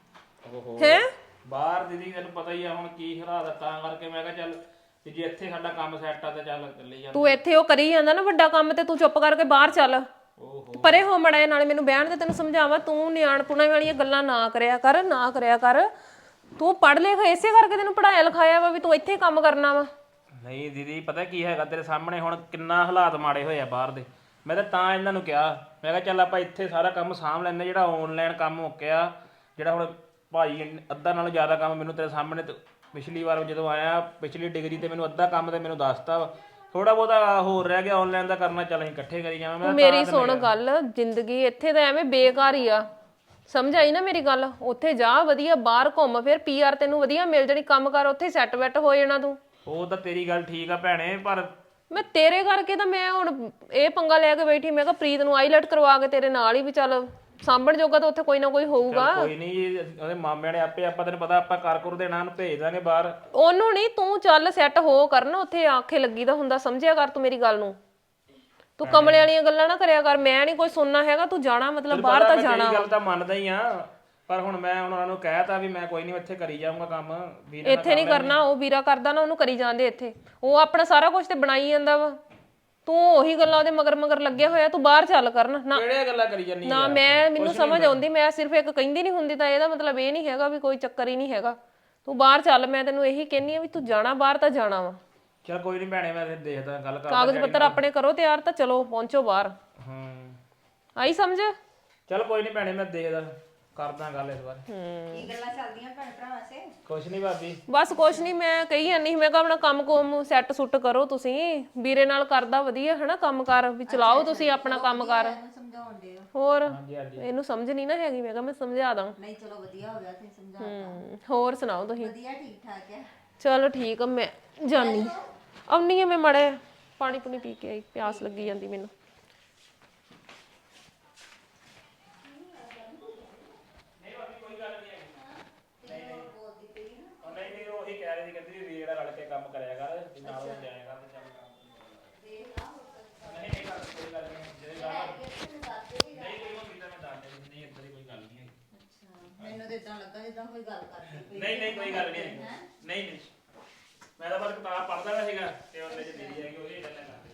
[SPEAKER 6] ਹੈ?
[SPEAKER 5] ਬਾਹਰ ਦੀਦੀ ਤੈਨੂੰ ਪਤਾ ਹੀ ਆ ਹੁਣ ਕੀ ਹਾਲਾਤ ਆ, ਤਾਂ ਕਰਕੇ ਮੈਂ ਕਿਹਾ ਚੱਲ ਵੀ ਜੇ ਇੱਥੇ ਸਾਡਾ ਕੰਮ ਸੈੱਟ ਆ ਤੇ ਚੱਲ ਚੱਲੀ ਜਾ।
[SPEAKER 6] ਤੂੰ ਇੱਥੇ ਉਹ ਕਰੀ ਜਾਂਦਾ ਨਾ ਵੱਡਾ ਕੰਮ, ਤੇ ਤੂੰ ਚੁੱਪ ਕਰਕੇ ਬਾਹਰ ਚੱਲ। ਪਰੇ ਹੋ ਮੜਾ ਨਾਲੇ ਮੈਨੂੰ ਬਹਿਣ ਤੇ ਤੈਨੂੰ ਸਮਝਾਵਾਂ, ਤੂੰ ਨਿਆਣਪੁਣਾ ਵਾਲੀਆਂ ਗੱਲਾਂ ਨਾ ਕਰਿਆ ਕਰ, ਨਾ ਕਰਿਆ ਕਰ। ਤੂੰ ਪੜ੍ਹ ਲਿਖ ਇਸੇ ਕਰਕੇ ਤੈਨੂੰ ਪੜਾਇਆ ਲਿਖਾਇਆ ਵਾ ਵੀ ਤੂੰ ਇੱਥੇ ਕੰਮ ਕਰਨਾ ਵਾ।
[SPEAKER 5] ਨਹੀਂ ਦੀਦੀ ਪਤਾ ਕੀ ਹੈਗਾ, ਤੇਰੇ ਸਾਹਮਣੇ ਹੁਣ ਕਿੰਨਾ ਹਾਲਾਤ ਮਾੜੇ ਹੋਏ ਆ ਬਾਹਰ ਦੇ। ਮੈਂ ਤਾਂ ਤਾਂ ਇਹਨਾਂ ਨੂੰ ਕਿਹਾ, ਮੈਂ ਕਿਹਾ ਚੱਲ ਆਪਾਂ ਇੱਥੇ ਸਾਰਾ ਕੰਮ ਸਾਂਭ ਲੈਂਦੇ, ਜਿਹੜਾ ਆਨਲਾਈਨ ਕੰਮ ਮੁੱਕਿਆ, ਜਿਹੜਾ ਹੁਣ ਭਾਈ ਅੱਧਾ ਨਾਲੋਂ ਜ਼ਿਆਦਾ ਕੰਮ ਮੈਨੂੰ ਤੇਰੇ ਸਾਹਮਣੇ ਪਿਛਲੀ ਵਾਰ ਜਦੋਂ ਆਇਆ ਪਿਛਲੀ ਡਿਗਰੀ ਤੇ ਮੈਨੂੰ ਅੱਧਾ ਕੰਮ ਤੇ ਮੈਨੂੰ ਦੱਸਤਾ ਵਾ, ਥੋੜਾ ਬਹੁਤਾ ਹੋਰ ਰਹਿ ਗਿਆ ਆਨਲਾਈਨ ਦਾ ਕਰਨਾ, ਚੱਲ ਅਸੀਂ ਇਕੱਠੇ ਕਰੀ ਜਾਵਾਂ। ਮੈਂ
[SPEAKER 6] ਮੇਰੀ ਸੁਣ ਗੱਲ, ਜ਼ਿੰਦਗੀ ਇੱਥੇ ਤਾਂ ਐਵੇਂ ਬੇਕਾਰ ਹੀ ਆ, ਸਮਝ ਆਈ ਨਾ ਮੇਰੀ ਗੱਲ? ਉੱਥੇ ਜਾ ਵਧੀਆ ਬਾਹਰ ਘੁੰਮ ਫਿਰ, ਪੀਆਰ ਤੈਨੂੰ ਵਧੀਆ ਮਿਲ ਜਾਣੀ, ਕੰਮ ਕਰ ਉੱਥੇ ਸੈੱਟ ਵੈਟ ਹੋ ਜਾਣਾ ਤੂੰ।
[SPEAKER 5] ਉਹ ਤਾਂ ਤੇਰੀ ਗੱਲ ਠੀਕ ਆ ਭੈਣੇ, ਪਰ
[SPEAKER 6] ਮੈਂ ਤੇਰੇ ਕਰਕੇ ਤਾਂ ਮੈਂ ਹੁਣ ਇਹ ਪੰਗਾ ਲੈ ਕੇ ਬੈਠੀ, ਮੈਂ ਕਿਹਾ ਪ੍ਰੀਤ ਨੂੰ ਆਈਲੈਟ ਕਰਵਾ ਕੇ ਤੇਰੇ ਨਾਲ ਹੀ ਵੀ ਚੱਲ ਸਾਂਭਣ ਜੋਗਾ ਤਾਂ ਉੱਥੇ ਕੋਈ ਨਾ ਕੋਈ ਹੋਊਗਾ।
[SPEAKER 5] ਕੋਈ ਨਹੀਂ, ਉਹਦੇ ਮਾਮਿਆਂ ਨੇ ਆਪੇ, ਆਪਾਂ ਤੈਨੂੰ ਪਤਾ ਆਪਾਂ ਕਰ ਕਰ ਦੇਣਾ, ਉਹਨੂੰ ਭੇਜ ਦਾਂਗੇ ਬਾਹਰ।
[SPEAKER 6] ਉਹਨੂੰ ਨਹੀਂ, ਤੂੰ ਚੱਲ ਸੈੱਟ ਹੋ ਕਰਨ, ਉੱਥੇ ਆਖੇ ਲੱਗੀ ਦਾ ਹੁੰਦਾ, ਸਮਝਿਆ ਕਰ ਤੂੰ ਮੇਰੀ ਗੱਲ ਨੂੰ। ਤੂੰ ਕਮਲੇ ਵਾਲੀਆਂ ਗੱਲਾਂ ਨਾ ਕਰਿਆ ਕਰ, ਮੈਂ ਨਹੀਂ ਕੋਈ ਸੁਣਨਾ ਹੈਗਾ, ਤੂੰ ਜਾਣਾ ਮਤਲਬ ਬਾਹਰ ਤਾਂ ਜਾਣਾ।
[SPEAKER 5] ਗੱਲ ਤਾਂ ਮੰਨਦਾ ਹੀ ਆ, ਪਰ ਹੁਣ ਮੈਂ ਹੁਣ ਉਹਨਾਂ ਨੂੰ ਕਹਿਤਾ ਵੀ ਮੈਂ ਕੋਈ ਨਹੀਂ ਇੱਥੇ ਕਰੀ ਜਾਊਂਗਾ ਕੰਮ।
[SPEAKER 6] ਇੱਥੇ ਨਹੀਂ ਕਰਨਾ, ਉਹ ਵੀਰਾ ਕਰਦਾ ਨਾ, ਉਹਨੂੰ ਕਰੀ ਜਾਂਦੇ ਇੱਥੇ। ਉਹ ਆਪਣਾ ਸਾਰਾ ਕੁਝ ਤੇ ਬਣਾਈ ਜਾਂਦਾ ਵਾ, ਤੂੰ ਉਹੀ ਗੱਲਾਂ ਉਹਦੇ ਮਗਰ ਮਗਰ ਲੱਗਿਆ ਹੋਇਆ। ਤੂੰ ਬਾਹਰ ਚੱਲ ਕਰਨ ਨਾ,
[SPEAKER 5] ਕਿਹੜੀਆਂ ਗੱਲਾਂ ਕਰੀ ਜਾਂਦੀ
[SPEAKER 6] ਨਾ ਮੈਂ ਮੈਨੂੰ ਸਮਝ ਆਉਂਦੀ, ਮੈਂ ਸਿਰਫ ਇੱਕ ਕਹਿੰਦੀ ਨਹੀਂ ਹੁੰਦੀ ਤਾਂ ਇਹਦਾ ਮਤਲਬ ਇਹ ਨਹੀਂ ਹੈਗਾ ਵੀ ਕੋਈ ਚੱਕਰ ਹੀ ਨਹੀਂ ਹੈਗਾ। ਤੂੰ ਬਾਹਰ ਚੱਲ, ਮੈਂ ਤੈਨੂੰ ਇਹੀ ਕਹਿੰਨੀ ਆ ਵੀ ਤੂੰ ਜਾਣਾ ਬਾਹਰ ਤਾਂ ਜਾਣਾ ਵਾ।
[SPEAKER 5] ਚਲ ਕੋਈ ਨਹੀਂ ਭੈਣੇ, ਮੈਂ ਫਿਰ ਦੇਖਦਾ ਗੱਲ ਕਰ।
[SPEAKER 6] ਕਾਗਜ਼ ਪੱਤਰ ਆਪਣੇ ਕਰੋ ਤਿਆਰ, ਤਾਂ ਚਲੋ ਪਹੁੰਚੋ ਬਾਹਰ।
[SPEAKER 5] ਹੂੰ
[SPEAKER 6] ਆਈ ਸਮਝ?
[SPEAKER 5] ਚਲ ਕੋਈ ਨਹੀਂ ਭੈਣੇ, ਮੈਂ ਦੇਖਦਾ ਕਰਦਾ ਗੱਲ ਇਸ ਵਾਰ।
[SPEAKER 3] ਕੀ ਗੱਲਾਂ ਚੱਲਦੀਆਂ ਭੈਣ ਭਰਾਵਾਂ ਸੇ?
[SPEAKER 5] ਕੁਛ ਨਹੀਂ ਭਾਬੀ,
[SPEAKER 6] ਬਸ ਕੁਛ ਨਹੀਂ, ਮੈਂ ਕਹੀ ਜਾਂਦੀ, ਮੈਂ ਕਿਹਾ ਆਪਣਾ ਕੰਮ ਕੋਮ ਸੈੱਟ ਸੁੱਟ ਕਰੋ ਤੁਸੀਂ, ਵੀਰੇ ਨਾਲ ਕਰਦਾ ਵਧੀਆ ਹਨਾ ਕੰਮ ਕਾਰ, ਵੀ ਚਲਾਓ ਤੁਸੀਂ ਆਪਣਾ ਕੰਮ ਕਾਰ।
[SPEAKER 3] ਸਮਝਾਉਣ ਦੇ
[SPEAKER 6] ਹੋਰ ਇਹਨੂੰ ਸਮਝ ਨਹੀਂ ਨਾ ਹੈਗੀ, ਮੈਂ ਕਿਹਾ ਮੈਂ ਸਮਝਾ ਦਾਂ।
[SPEAKER 3] ਨਹੀਂ ਚਲੋ ਵਧੀਆ ਹੋ ਗਿਆ ਤੁਸੀਂ ਸਮਝਾਤਾ।
[SPEAKER 6] ਹੂੰ, ਹੋਰ ਸੁਣਾਓ ਤੁਸੀਂ?
[SPEAKER 3] ਵਧੀਆ ਠੀਕ ਠਾਕ ਹੈ।
[SPEAKER 6] ਚਲੋ ਠੀਕ ਆ, ਮੈਂ ਜਾਨੀ ਆਉਣੀ ਆ, ਮੈਂ ਮੜੇ ਪਾਣੀ ਪੁਣੀ ਪੀ ਕੇ ਆਈ, ਪਿਆਸ ਲੱਗੀ ਜਾਂਦੀ ਮੈਨੂੰ।
[SPEAKER 5] ਨਹੀਂ ਨਹੀਂ ਉਹ ਹੀ ਕਹਿ ਰਹੀ ਸੀ, ਕਹਿੰਦੀ ਵੀ ਵੀਰ ਨਾਲ ਰਲ ਕੇ ਕੰਮ ਕਰਿਆ ਕਰ, ਨਾਲ ਹੋ ਜਾਇਆ ਕਰ ਤੇ ਚੱਲ ਕੰਮ। ਨਹੀਂ ਨਹੀਂ ਗੱਲ ਕੋਈ ਗੱਲ ਨਹੀਂ, ਜਿਹੜੇ ਗੱਲ ਨਹੀਂ ਕੋਈ ਹੁੰਦੀ ਤਾਂ ਮੈਂ ਦੱਸ ਦੇ, ਨਹੀਂ ਇੱਦਾਂ ਦੀ ਕੋਈ ਗੱਲ ਨਹੀਂ ਹੈ।
[SPEAKER 3] ਮੈਨੂੰ ਤਾਂ ਇਦਾਂ ਲੱਗਾ ਜਿੱਦਾਂ ਕੋਈ ਗੱਲ ਕਰਦੀ।
[SPEAKER 5] ਨਹੀਂ ਨਹੀਂ ਕੋਈ ਗੱਲ ਨਹੀਂ, ਨਹੀਂ ਨਹੀਂ ਮੈਂ ਤਾਂ ਬਸ ਕਿਤਾਬ ਪੜ੍ਹਦਾ ਰਿਹਾ ਸੀਗਾ ਤੇ ਉਹਦੇ ਚ ਦੀਦੀ ਹੈਗੀ, ਉਹਦੀ ਗੱਲ ਕਰਦੇ।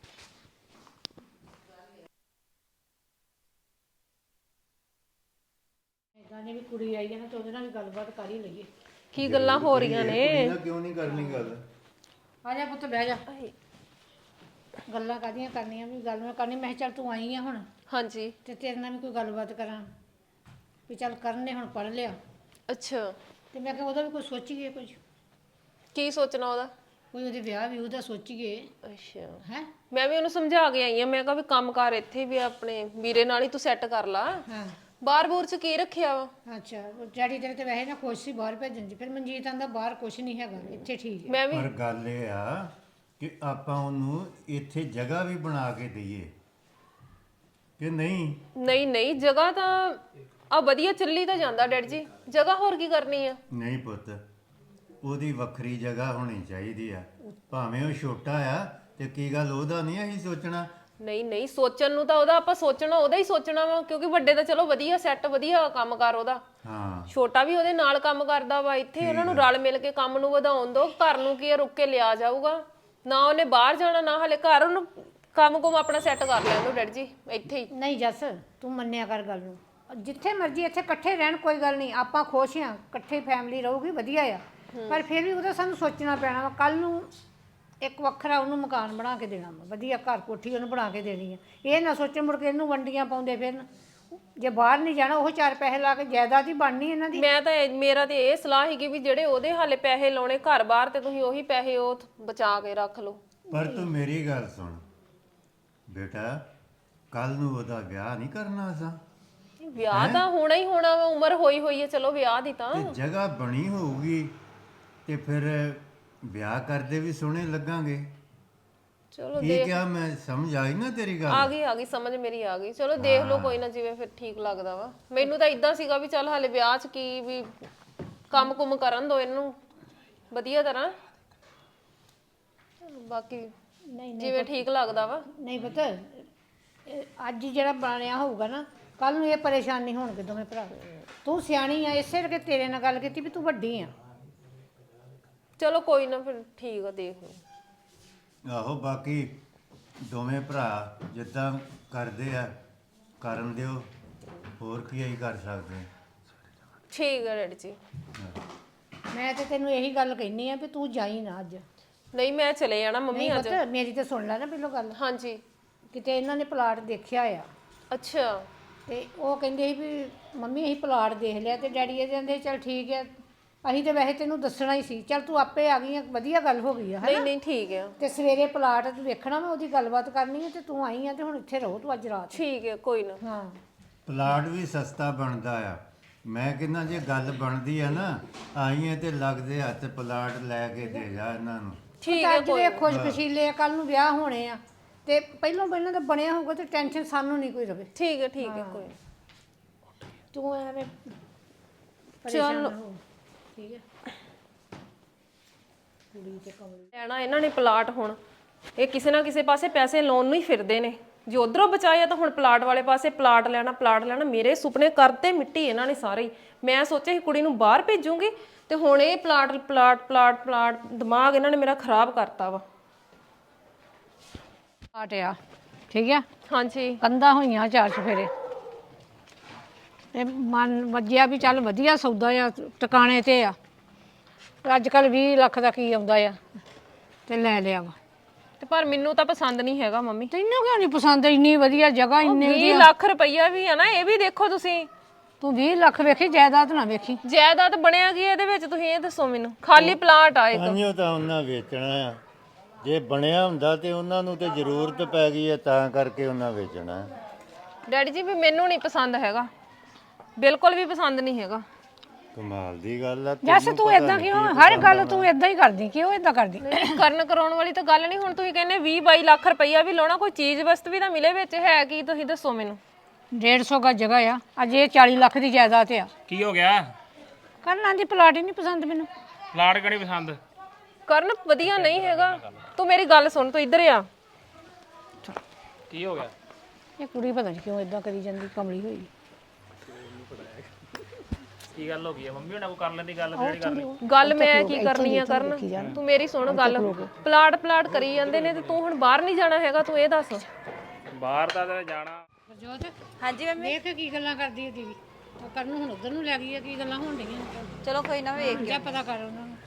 [SPEAKER 1] ਇਦਾਂ ਦੀ ਵੀ ਕੁੜੀ ਆਈ ਹੈ ਨਾ, ਤੇ ਉਹਦੇ ਨਾਲ ਵੀ ਗੱਲਬਾਤ ਕਰ ਹੀ ਲਈਏ।
[SPEAKER 6] ਕੀ ਗੱਲਾਂ ਹੋ ਰਹੀਆਂ ਨੇ?
[SPEAKER 2] ਕਿਉਂ ਨਹੀਂ ਕਰਨੀ ਗੱਲ?
[SPEAKER 1] ਆ ਜਾ ਪੁੱਤ ਬਹਿ ਜਾ। ਗੱਲਾਂ ਕਾਹਦੀਆਂ ਕਰਨੀਆਂ, ਵੀ ਗੱਲ ਮੈਂ ਕਰਨੀ। ਮੈਂ ਕਿਹਾ ਚੱਲ ਤੂੰ ਆਈ ਆ ਹੁਣ,
[SPEAKER 6] ਹਾਂਜੀ,
[SPEAKER 1] ਤੇ ਤੇਰੇ ਨਾਲ ਵੀ ਕੋਈ ਗੱਲਬਾਤ ਕਰਾਂ ਵੀ ਚੱਲ ਕਰਨ ਨੇ ਹੁਣ ਪੜ੍ਹ ਲਿਆ,
[SPEAKER 6] ਅੱਛਾ।
[SPEAKER 1] ਤੇ ਮੈਂ ਕਿਹਾ ਉਹਦਾ ਵੀ ਕੋਈ ਸੋਚੀਏ, ਕੁਝ
[SPEAKER 6] ਕੀ ਸੋਚਣਾ ਉਹਦਾ?
[SPEAKER 1] ਕੋਈ ਉਹਦੇ ਵਿਆਹ ਵੀ ਉਹਦਾ ਸੋਚੀਏ।
[SPEAKER 6] ਅੱਛਾ,
[SPEAKER 1] ਹੈ
[SPEAKER 6] ਮੈਂ ਵੀ ਉਹਨੂੰ ਸਮਝਾ ਕੇ ਆਈ ਆ, ਮੈਂ ਕਿਹਾ ਵੀ ਕੰਮ ਕਾਰ ਇੱਥੇ ਵੀ ਆਪਣੇ ਵੀਰੇ ਨਾਲ ਹੀ ਤੂੰ ਸੈੱਟ ਕਰ ਲਾ,
[SPEAKER 1] ਹਾਂ।
[SPEAKER 6] ਬਾਹਰ ਬੂਰ ਚ ਕੀ ਰੱਖਿਆ ਵਾ?
[SPEAKER 1] ਅੱਛਾ, ਉਹ ਡੈਡੀ ਤੇਰੇ ਤੇ ਵੈਸੇ ਨਾ ਖੁਸ਼ ਸੀ ਬਾਹਰ ਭੇਜਣ ਦੀ, ਫਿਰ ਮਨਜੀਤ ਆਂਦਾ ਬਾਹਰ ਕੁਝ ਨਹੀਂ ਹੈਗਾ, ਇੱਥੇ ਠੀਕ ਹੈ।
[SPEAKER 6] ਮੈਂ ਵੀ
[SPEAKER 2] ਪਰ ਗੱਲ ਇਹ ਆ ਕਿ ਆਪਾਂ ਉਹਨੂੰ ਇੱਥੇ ਜਗ੍ਹਾ ਵੀ ਬਣਾ ਕੇ ਦਈਏ ਕਿ ਨਹੀਂ?
[SPEAKER 6] ਨਹੀਂ ਨਹੀਂ, ਜਗ੍ਹਾ ਤਾਂ ਆ ਵਧੀਆ ਚੱਲੀ ਤਾਂ ਜਾਂਦਾ ਡੈਡ ਜੀ, ਜਗ੍ਹਾ ਹੋਰ ਕੀ ਕਰਨੀ ਆ?
[SPEAKER 2] ਨਹੀਂ ਪੁੱਤ, ਉਹਦੀ ਵੱਖਰੀ ਜਗ੍ਹਾ ਹੋਣੀ ਚਾਹੀਦੀ ਆ, ਭਾਵੇਂ ਉਹ ਛੋਟਾ ਆ ਤੇ ਕੀ ਗੱਲ ਉਹਦਾ ਨਹੀਂ ਅਸੀਂ ਸੋਚਣਾ?
[SPEAKER 6] ਨਹੀਂ ਨਹੀਂ, ਸੋਚਣ ਨੂੰ ਤਾਂ ਉਹਦਾ ਆਪਾਂ ਸੋਚਣਾ ਉਹਦਾ ਹੀ ਸੋਚਣਾ ਵਾ, ਕਿਉਂਕਿ ਵੱਡੇ ਤਾਂ ਚਲੋ ਵਧੀਆ ਸੈੱਟ ਵਧੀਆ ਕੰਮ ਕਰ ਉਹਦਾ,
[SPEAKER 2] ਹਾਂ।
[SPEAKER 6] ਛੋਟਾ ਵੀ ਉਹਦੇ ਨਾਲ ਕੰਮ ਕਰਦਾ ਵਾ, ਇੱਥੇ ਉਹਨਾਂ ਨੂੰ ਰਲ ਮਿਲ ਕੇ ਕੰਮ ਨੂੰ ਵਧਾਉਣ ਦੋ। ਘਰ ਨੂੰ ਕੀ ਰੁੱਕ ਕੇ ਲਿਆ ਜਾਊਗਾ ਨਾ, ਉਹਨੇ ਬਾਹਰ ਜਾਣਾ ਨਾ ਹਲੇ ਘਰ, ਉਹਨੂੰ ਕੰਮ ਕੁਮ ਆਪਣਾ ਸੈੱਟ ਕਰ ਲੈਣ ਦੋ ਡੈਡ ਜੀ ਇੱਥੇ ਹੀ।
[SPEAKER 1] ਨਹੀਂ ਜੱਸ, ਤੂੰ ਮੰਨਿਆ ਕਰ ਗੱਲ ਨੂੰ, ਜਿੱਥੇ ਮਰਜ਼ੀ ਇੱਥੇ ਇਕੱਠੇ ਰਹਿਣ, ਕੋਈ ਗੱਲ ਨਹੀਂ, ਆਪਾਂ ਖੁਸ਼ ਹਾਂ, ਇਕੱਠੇ ਫੈਮਿਲੀ ਰਹੂਗੀ ਵਧੀਆ ਆ, ਪਰ ਫਿਰ ਵੀ ਉਹਦਾ ਸਾਨੂੰ ਸੋਚਣਾ ਪੈਣਾ ਵਾ। ਕੱਲ ਨੂੰ ਇੱਕ ਵੱਖਰਾ ਉਹਨੂੰ ਮਕਾਨ ਬਣਾ ਕੇ ਦੇਣਾ ਵਾ, ਵਧੀਆ ਘਰ ਕੋਠੀ ਉਹਨੂੰ ਬਣਾ ਕੇ ਦੇਣੀ ਆ। ਇਹ ਨਾ ਸੋਚਣ ਮੁੜ ਕੇ ਇਹਨੂੰ ਵੰਡੀਆਂ ਪਾਉਂਦੇ ਫਿਰਨ, ਜੇ ਬਾਹਰ ਨਹੀਂ ਜਾਣਾ ਉਹ ਚਾਰ ਪੈਸੇ ਲਾ ਕੇ ਜਾਇਦਾਦ ਹੀ ਬਣਨੀ ਇਹਨਾਂ ਦੀ।
[SPEAKER 6] ਮੈਂ ਤਾਂ ਇਹ- ਮੇਰਾ ਤੇ ਇਹ ਸਲਾਹ ਹੈਗੀ ਵੀ ਜਿਹੜੇ ਉਹਦੇ ਹਾਲੇ ਪੈਸੇ ਲਾਉਣੇ ਘਰ ਬਾਹਰ, ਤੇ ਤੁਸੀਂ ਉਹੀ ਪੈਸੇ ਉਹ ਬਚਾ ਕੇ ਰੱਖ ਲਓ।
[SPEAKER 2] ਪਰ ਤੂੰ ਮੇਰੀ ਗੱਲ ਸੁਣ ਬੇਟਾ, ਕੱਲ ਨੂੰ ਉਹਦਾ ਵਿਆਹ ਨਹੀਂ ਕਰਨਾ ਅਸਾਂ,
[SPEAKER 6] ਵਿਆਹ ਤਾਂ ਹੋਣਾ ਹੀ ਹੋਣਾ ਵਾ, ਉਮਰ ਹੋਈ ਹੋਈ ਹੈ ਚਲੋ ਵਿਆਹ ਦੀ ਤਾਂ।
[SPEAKER 2] ਤੇ ਜਗ੍ਹਾ ਬਣੀ ਹੋਊਗੀ ਤੇ ਫਿਰ ਵਿਆਹ ਕਰਦੇ ਵੀ ਸੋਹਣੇ ਲੱਗਾਂਗੇ।
[SPEAKER 6] ਚਲੋ
[SPEAKER 2] ਕੀ ਕਿਹਾ ਮੈਂ ਸਮਝ ਆਈ ਨਾ ਤੇਰੀ ਗੱਲ?
[SPEAKER 6] ਆ ਗਈ ਆ ਗਈ ਸਮਝ ਮੇਰੀ ਆ ਗਈ। ਚਲੋ ਦੇਖ ਲਓ ਕੋਈ ਨਾ, ਜਿਵੇਂ ਫਿਰ ਠੀਕ ਲੱਗਦਾ ਵਾ। ਮੈਨੂੰ ਤਾਂ ਇਦਾਂ ਸੀਗਾ ਵੀ ਚੱਲ ਹਾਲੇ ਵਿਆਹ 'ਚ ਕੀ ਵੀ ਕੰਮ ਕੁਮ ਕਰਨ ਦੋ ਇਹਨੂੰ ਵਧੀਆ ਤਰ੍ਹਾਂ, ਬਾਕੀ
[SPEAKER 1] ਨਹੀਂ
[SPEAKER 6] ਜਿਵੇਂ ਠੀਕ ਲੱਗਦਾ ਵਾ।
[SPEAKER 1] ਨਹੀਂ ਪਤਾ ਅੱਜ ਜਿਹੜਾ ਬਣਿਆ ਹੋਊਗਾ ਨਾ, ਕੱਲ ਨੂੰ ਇਹ ਪਰੇਸ਼ਾਨ ਨਹੀਂ ਹੋਣਗੇ ਦੋਵੇਂ ਭਰਾ। ਤੂੰ ਸਿਆਣੀ ਆ, ਇਸੇ ਕਰਕੇ ਤੇਰੇ ਨਾਲ ਗੱਲ ਕੀਤੀ ਵੀ ਤੂੰ ਵੱਡੀ ਆ।
[SPEAKER 6] ਚਲੋ ਕੋਈ ਨਾ ਫਿਰ ਠੀਕ ਆ, ਦੇਖ ਲਓ।
[SPEAKER 2] ਆਹੋ ਬਾਕੀ ਦੋਵੇਂ ਭਰਾ ਜਿੱਦਾਂ ਕਰਦੇ ਆ ਕਰਨ ਦਿਓ, ਹੋਰ ਕੀ ਅਸੀਂ ਕਰ ਸਕਦੇ ਹਾਂ।
[SPEAKER 6] ਠੀਕ ਆ ਡੈਡੀ ਜੀ।
[SPEAKER 1] ਮੈਂ ਤੇ ਤੈਨੂੰ ਇਹੀ ਗੱਲ ਕਹਿਨੀ ਆ ਵੀ ਤੂੰ ਜਾਈ ਨਾ ਅੱਜ।
[SPEAKER 6] ਨਹੀਂ ਮੈਂ ਚਲੇ ਜਾਣਾ ਮੰਮੀ
[SPEAKER 1] ਨਹੀਂ
[SPEAKER 6] ਅੱਜ।
[SPEAKER 1] ਪਤਾ ਮੇਰੀ ਤੇ ਸੁਣ ਲੈ ਨਾ ਪਹਿਲੋਂ ਗੱਲ।
[SPEAKER 6] ਹਾਂਜੀ।
[SPEAKER 1] ਕਿਤੇ ਇਹਨਾਂ ਨੇ ਪਲਾਟ ਦੇਖਿਆ ਆ
[SPEAKER 6] ਅੱਛਾ।
[SPEAKER 1] ਤੇ ਉਹ ਕਹਿੰਦੇ ਸੀ ਵੀ ਮੰਮੀ ਅਸੀਂ ਪਲਾਟ ਦੇਖ ਲਿਆ, ਤੇ ਡੈਡੀ ਇਹ ਕਹਿੰਦੇ ਚੱਲ ਠੀਕ ਹੈ, ਅਸੀਂ ਤੇ ਵੈਸੇ ਤੈਨੂੰ ਦੱਸਣਾ ਹੀ ਸੀ, ਚੱਲ ਤੂੰ ਆਪੇ ਆ ਗਈ ਆ, ਵਧੀਆ ਗੱਲ ਹੋ ਗਈ ਆ
[SPEAKER 6] ਨਹੀਂ
[SPEAKER 1] ਹਨਾ।
[SPEAKER 6] ਨਹੀਂ ਠੀਕ ਆ।
[SPEAKER 1] ਤੇ ਸਵੇਰੇ ਪਲਾਟ ਤੂੰ ਵੇਖਣਾ, ਮੈਂ ਉਹਦੀ ਗੱਲਬਾਤ ਕਰਨੀ ਹੈ, ਤੇ ਤੂੰ ਆਈ ਆ ਤੇ ਹੁਣ ਇੱਥੇ ਰਹੋ ਤੂੰ ਅੱਜ ਰਾਤ।
[SPEAKER 6] ਠੀਕ ਹੈ ਕੋਈ ਨਾ।
[SPEAKER 1] ਹਾਂ
[SPEAKER 2] ਪਲਾਟ ਵੀ ਸਸਤਾ ਬਣਦਾ ਆ। ਮੈਂ ਕਹਿੰਦਾ ਜੇ ਗੱਲ ਬਣਦੀ ਆ ਨਾ, ਆਈਏ ਤੇ ਲੱਗਦੇ ਹੱਥ ਪਲਾਟ ਲੈ ਕੇ ਦੇ ਜਾ ਇਹਨਾਂ ਨੂੰ।
[SPEAKER 6] ਠੀਕ
[SPEAKER 1] ਹੈ
[SPEAKER 6] ਹੈ
[SPEAKER 1] ਅੱਜ
[SPEAKER 6] ਕੋਈ
[SPEAKER 1] ਦੇ ਖੁਸ਼ਕਸ਼ੀਲੇ ਆ, ਕੱਲ ਨੂੰ ਵਿਆਹ ਹੋਣੇ ਆ, ਤੇ ਪਹਿਲਾਂ ਪਹਿਲਾਂ ਤਾਂ ਬਣਿਆ ਹੋਊਗਾ ਤੇ ਟੈਨਸ਼ਨ ਸਾਨੂੰ ਨਹੀਂ ਕੋਈ ਰਵੇ।
[SPEAKER 6] ਠੀਕ ਹੈ ਠੀਕ ਹੈ ਕੋਈ ਨਾ।
[SPEAKER 1] ਤੂੰ ਐਵੇਂ ਪਰੇਸ਼ਾਨ ਨਾ ਹੋ, ਠੀਕ ਹੈ। ਕੁੜੀ ਤੇ ਕਮਲੀ
[SPEAKER 6] ਲੈਣਾ ਇਹਨਾਂ ਨੇ ਪਲਾਟ, ਹੁਣ ਇਹ ਕਿਸੇ ਨਾ ਕਿਸੇ ਪਾਸੇ ਪੈਸੇ ਲਾਉਣ ਨੂੰ ਹੀ ਫਿਰਦੇ ਨੇ। ਜੇ ਉਧਰੋਂ ਬਚਾਇਆ ਤਾਂ ਹੁਣ ਪਲਾਟ ਵਾਲੇ ਪਾਸੇ ਪਲਾਟ ਲੈਣਾ ਪਲਾਟ ਲੈਣਾ। ਮੇਰੇ ਸੁਪਨੇ ਕਰਤੇ ਮਿੱਟੀ ਇਹਨਾਂ ਨੇ ਸਾਰੇ ਹੀ। ਮੈਂ ਸੋਚਿਆ ਸੀ ਕੁੜੀ ਨੂੰ ਬਾਹਰ ਭੇਜੂੰਗੀ, ਤੇ ਹੁਣ ਇਹ ਪਲਾਟ ਪਲਾਟ ਪਲਾਟ ਪਲਾਟ ਦਿਮਾਗ ਇਹਨਾਂ ਨੇ ਮੇਰਾ ਖਰਾਬ ਕਰਤਾ ਵਾ।
[SPEAKER 1] ਆਟਿਆ ਠੀਕ ਹੈ।
[SPEAKER 6] ਹਾਂਜੀ।
[SPEAKER 1] ਕੰਧਾਂ ਹੋਈਆਂ ਚਾਰ ਚਫੇਰੇ, ਤੇ ਮਨ ਵੱਜਿਆ ਵੀ ਚੱਲ ਵਧੀਆ ਸੌਦਾ ਆ, ਟਿਕਾਣੇ ਤੇ ਆ। ਅੱਜ ਕੱਲ ਵੀਹ ਲੱਖ ਦਾ ਕੀ ਆਉਂਦਾ ਆ, ਤੇ ਲੈ ਲਿਆ ਵਾ।
[SPEAKER 6] ਤੇ ਪਰ ਮੈਨੂੰ ਤਾਂ ਪਸੰਦ ਨਹੀਂ ਹੈਗਾ ਮੰਮੀ।
[SPEAKER 1] ਤੈਨੂੰ ਕਿਉਂ ਨਹੀਂ ਪਸੰਦ? ਇੰਨੀ ਵਧੀਆ ਜਗ੍ਹਾ, ਇੰਨੇ
[SPEAKER 6] ਵੀਹ ਲੱਖ ਰੁਪਈਆ ਵੀ ਆ ਨਾ, ਇਹ ਵੀ ਦੇਖੋ ਤੁਸੀਂ।
[SPEAKER 1] ਤੂੰ ਵੀਹ ਲੱਖ ਵੇਖੀ, ਜਾਇਦਾਦ ਨਾ ਵੇਖੀ।
[SPEAKER 6] ਜਾਇਦਾਦ ਬਣਿਆ ਕੀ ਇਹਦੇ ਵਿੱਚ, ਤੁਸੀਂ ਇਹ ਦੱਸੋ ਮੈਨੂੰ। ਖਾਲੀ ਪਲਾਟ ਆ ਇੱਕ।
[SPEAKER 2] ਤਾਂਹੀਓ ਤਾਂ ਉਹਨਾਂ ਵੇਚਣਾ ਆ। ਜੇ ਬਣਿਆ ਹੁੰਦਾ ਤੇ ਉਹਨਾਂ ਨੂੰ ਤੇ ਜ਼ਰੂਰਤ ਪੈ ਗਈ ਹੈ, ਤਾਂ ਕਰਕੇ ਉਹਨਾਂ ਵੇਚਣਾ।
[SPEAKER 6] ਡੈਡੀ ਜੀ ਵੀ ਮੈਨੂੰ ਨਹੀਂ ਪਸੰਦ ਹੈਗਾ, ਬਿਲਕੁਲ ਵੀ ਪਸੰਦ ਨਹੀਂ ਹੈਗਾ।
[SPEAKER 2] ਕਮਾਲ ਦੀ ਗੱਲ ਆ।
[SPEAKER 1] ਜੈਸੇ ਤੂੰ ਇਦਾਂ ਕਿਉਂ ਹਰ ਗੱਲ ਤੂੰ ਇਦਾਂ ਹੀ ਕਰਦੀ, ਕਿਉਂ ਇਦਾਂ ਕਰਦੀ?
[SPEAKER 6] ਕਰਨ ਕਰਾਉਣ ਵਾਲੀ ਤਾਂ ਗੱਲ ਨਹੀਂ। ਹੁਣ ਤੁਸੀਂ ਕਹਿੰਦੇ ਵੀਹ ਬਾਈ ਲੱਖ ਰੁਪਈਆ ਵੀ ਲਾਉਣਾ, ਕੋਈ ਚੀਜ਼ ਵਸਤ ਵੀ ਤਾਂ ਮਿਲੇ ਵਿੱਚ, ਹੈ ਕੀ ਤੁਸੀਂ ਦੱਸੋ ਮੈਨੂੰ।
[SPEAKER 1] ਡੇਢ ਸੌ ਗਜ ਜਗ੍ਹਾ ਆ, ਅੱਜ ਇਹ ਚਾਲੀ ਲੱਖ ਦੀ ਜਾਇਦਾਦ ਆ।
[SPEAKER 5] ਕੀ ਹੋ ਗਿਆ?
[SPEAKER 1] ਕਰਨਾ ਦੀ ਪਲਾਟ ਹੀ ਨਹੀਂ ਪਸੰਦ ਮੈਨੂੰ।
[SPEAKER 5] ਪਲਾਟ ਕਿਹੜੀ ਪਸੰਦ?
[SPEAKER 6] ਕਰਨ ਵਧੀਆ ਨਹੀਂ ਹੈਗਾ। ਤੂੰ ਮੇਰੀ ਗੱਲ ਸੁਣ, ਤੂੰ ਇੱਧਰ ਆ।
[SPEAKER 5] ਕੀ ਹੋ ਗਿਆ?
[SPEAKER 1] ਇਹ ਕੁੜੀ ਪਤਾ ਨਹੀਂ ਕਿਉਂ ਇਦਾਂ ਕਰੀ ਜਾਂਦੀ, ਕਮਲੀ ਹੋਈ।
[SPEAKER 5] ਕੀ ਗੱਲ ਹੋ ਗਈ ਹੈ? ਮੰਮੀ ਹੁਣਾਂ ਕੋ ਕਰ ਲੈਂਦੀ ਗੱਲ, ਜਿਹੜੀ ਕਰਨੀ।
[SPEAKER 6] ਗੱਲ ਮੈਂ ਕੀ ਕਰਨੀ ਆ ਕਰਨ, ਤੂੰ ਮੇਰੀ ਸੁਣ ਗੱਲ। ਪਲਾਟ ਪਲਾਟ ਕਰੀ ਜਾਂਦੇ ਨੇ, ਤੇ ਤੂੰ ਹੁਣ ਬਾਹਰ ਨਹੀਂ ਜਾਣਾ ਹੈਗਾ, ਤੂੰ ਇਹ ਦੱਸ।
[SPEAKER 5] ਬਾਹਰ ਦਾ ਤਾਂ ਜਾਣਾ।
[SPEAKER 1] ਪ੍ਰਜੋਤ
[SPEAKER 3] ਹਾਂਜੀ ਮੰਮੀ।
[SPEAKER 1] ਵੇਖ ਕੀ ਗੱਲਾਂ ਕਰਦੀ ਹੈ ਦੀਦੀ। ਉਹ ਕਰਨ ਨੂੰ ਹੁਣ ਉਧਰ ਨੂੰ ਲੈ ਗਈ ਹੈ, ਕੀ ਗੱਲਾਂ ਹੋਣ ਡੀਆਂ।
[SPEAKER 3] ਚਲੋ ਕੋਈ ਨਾ ਵੇਖ
[SPEAKER 1] ਜਾ ਪਤਾ ਕਰ ਉਹਨਾਂ ਨੂੰ।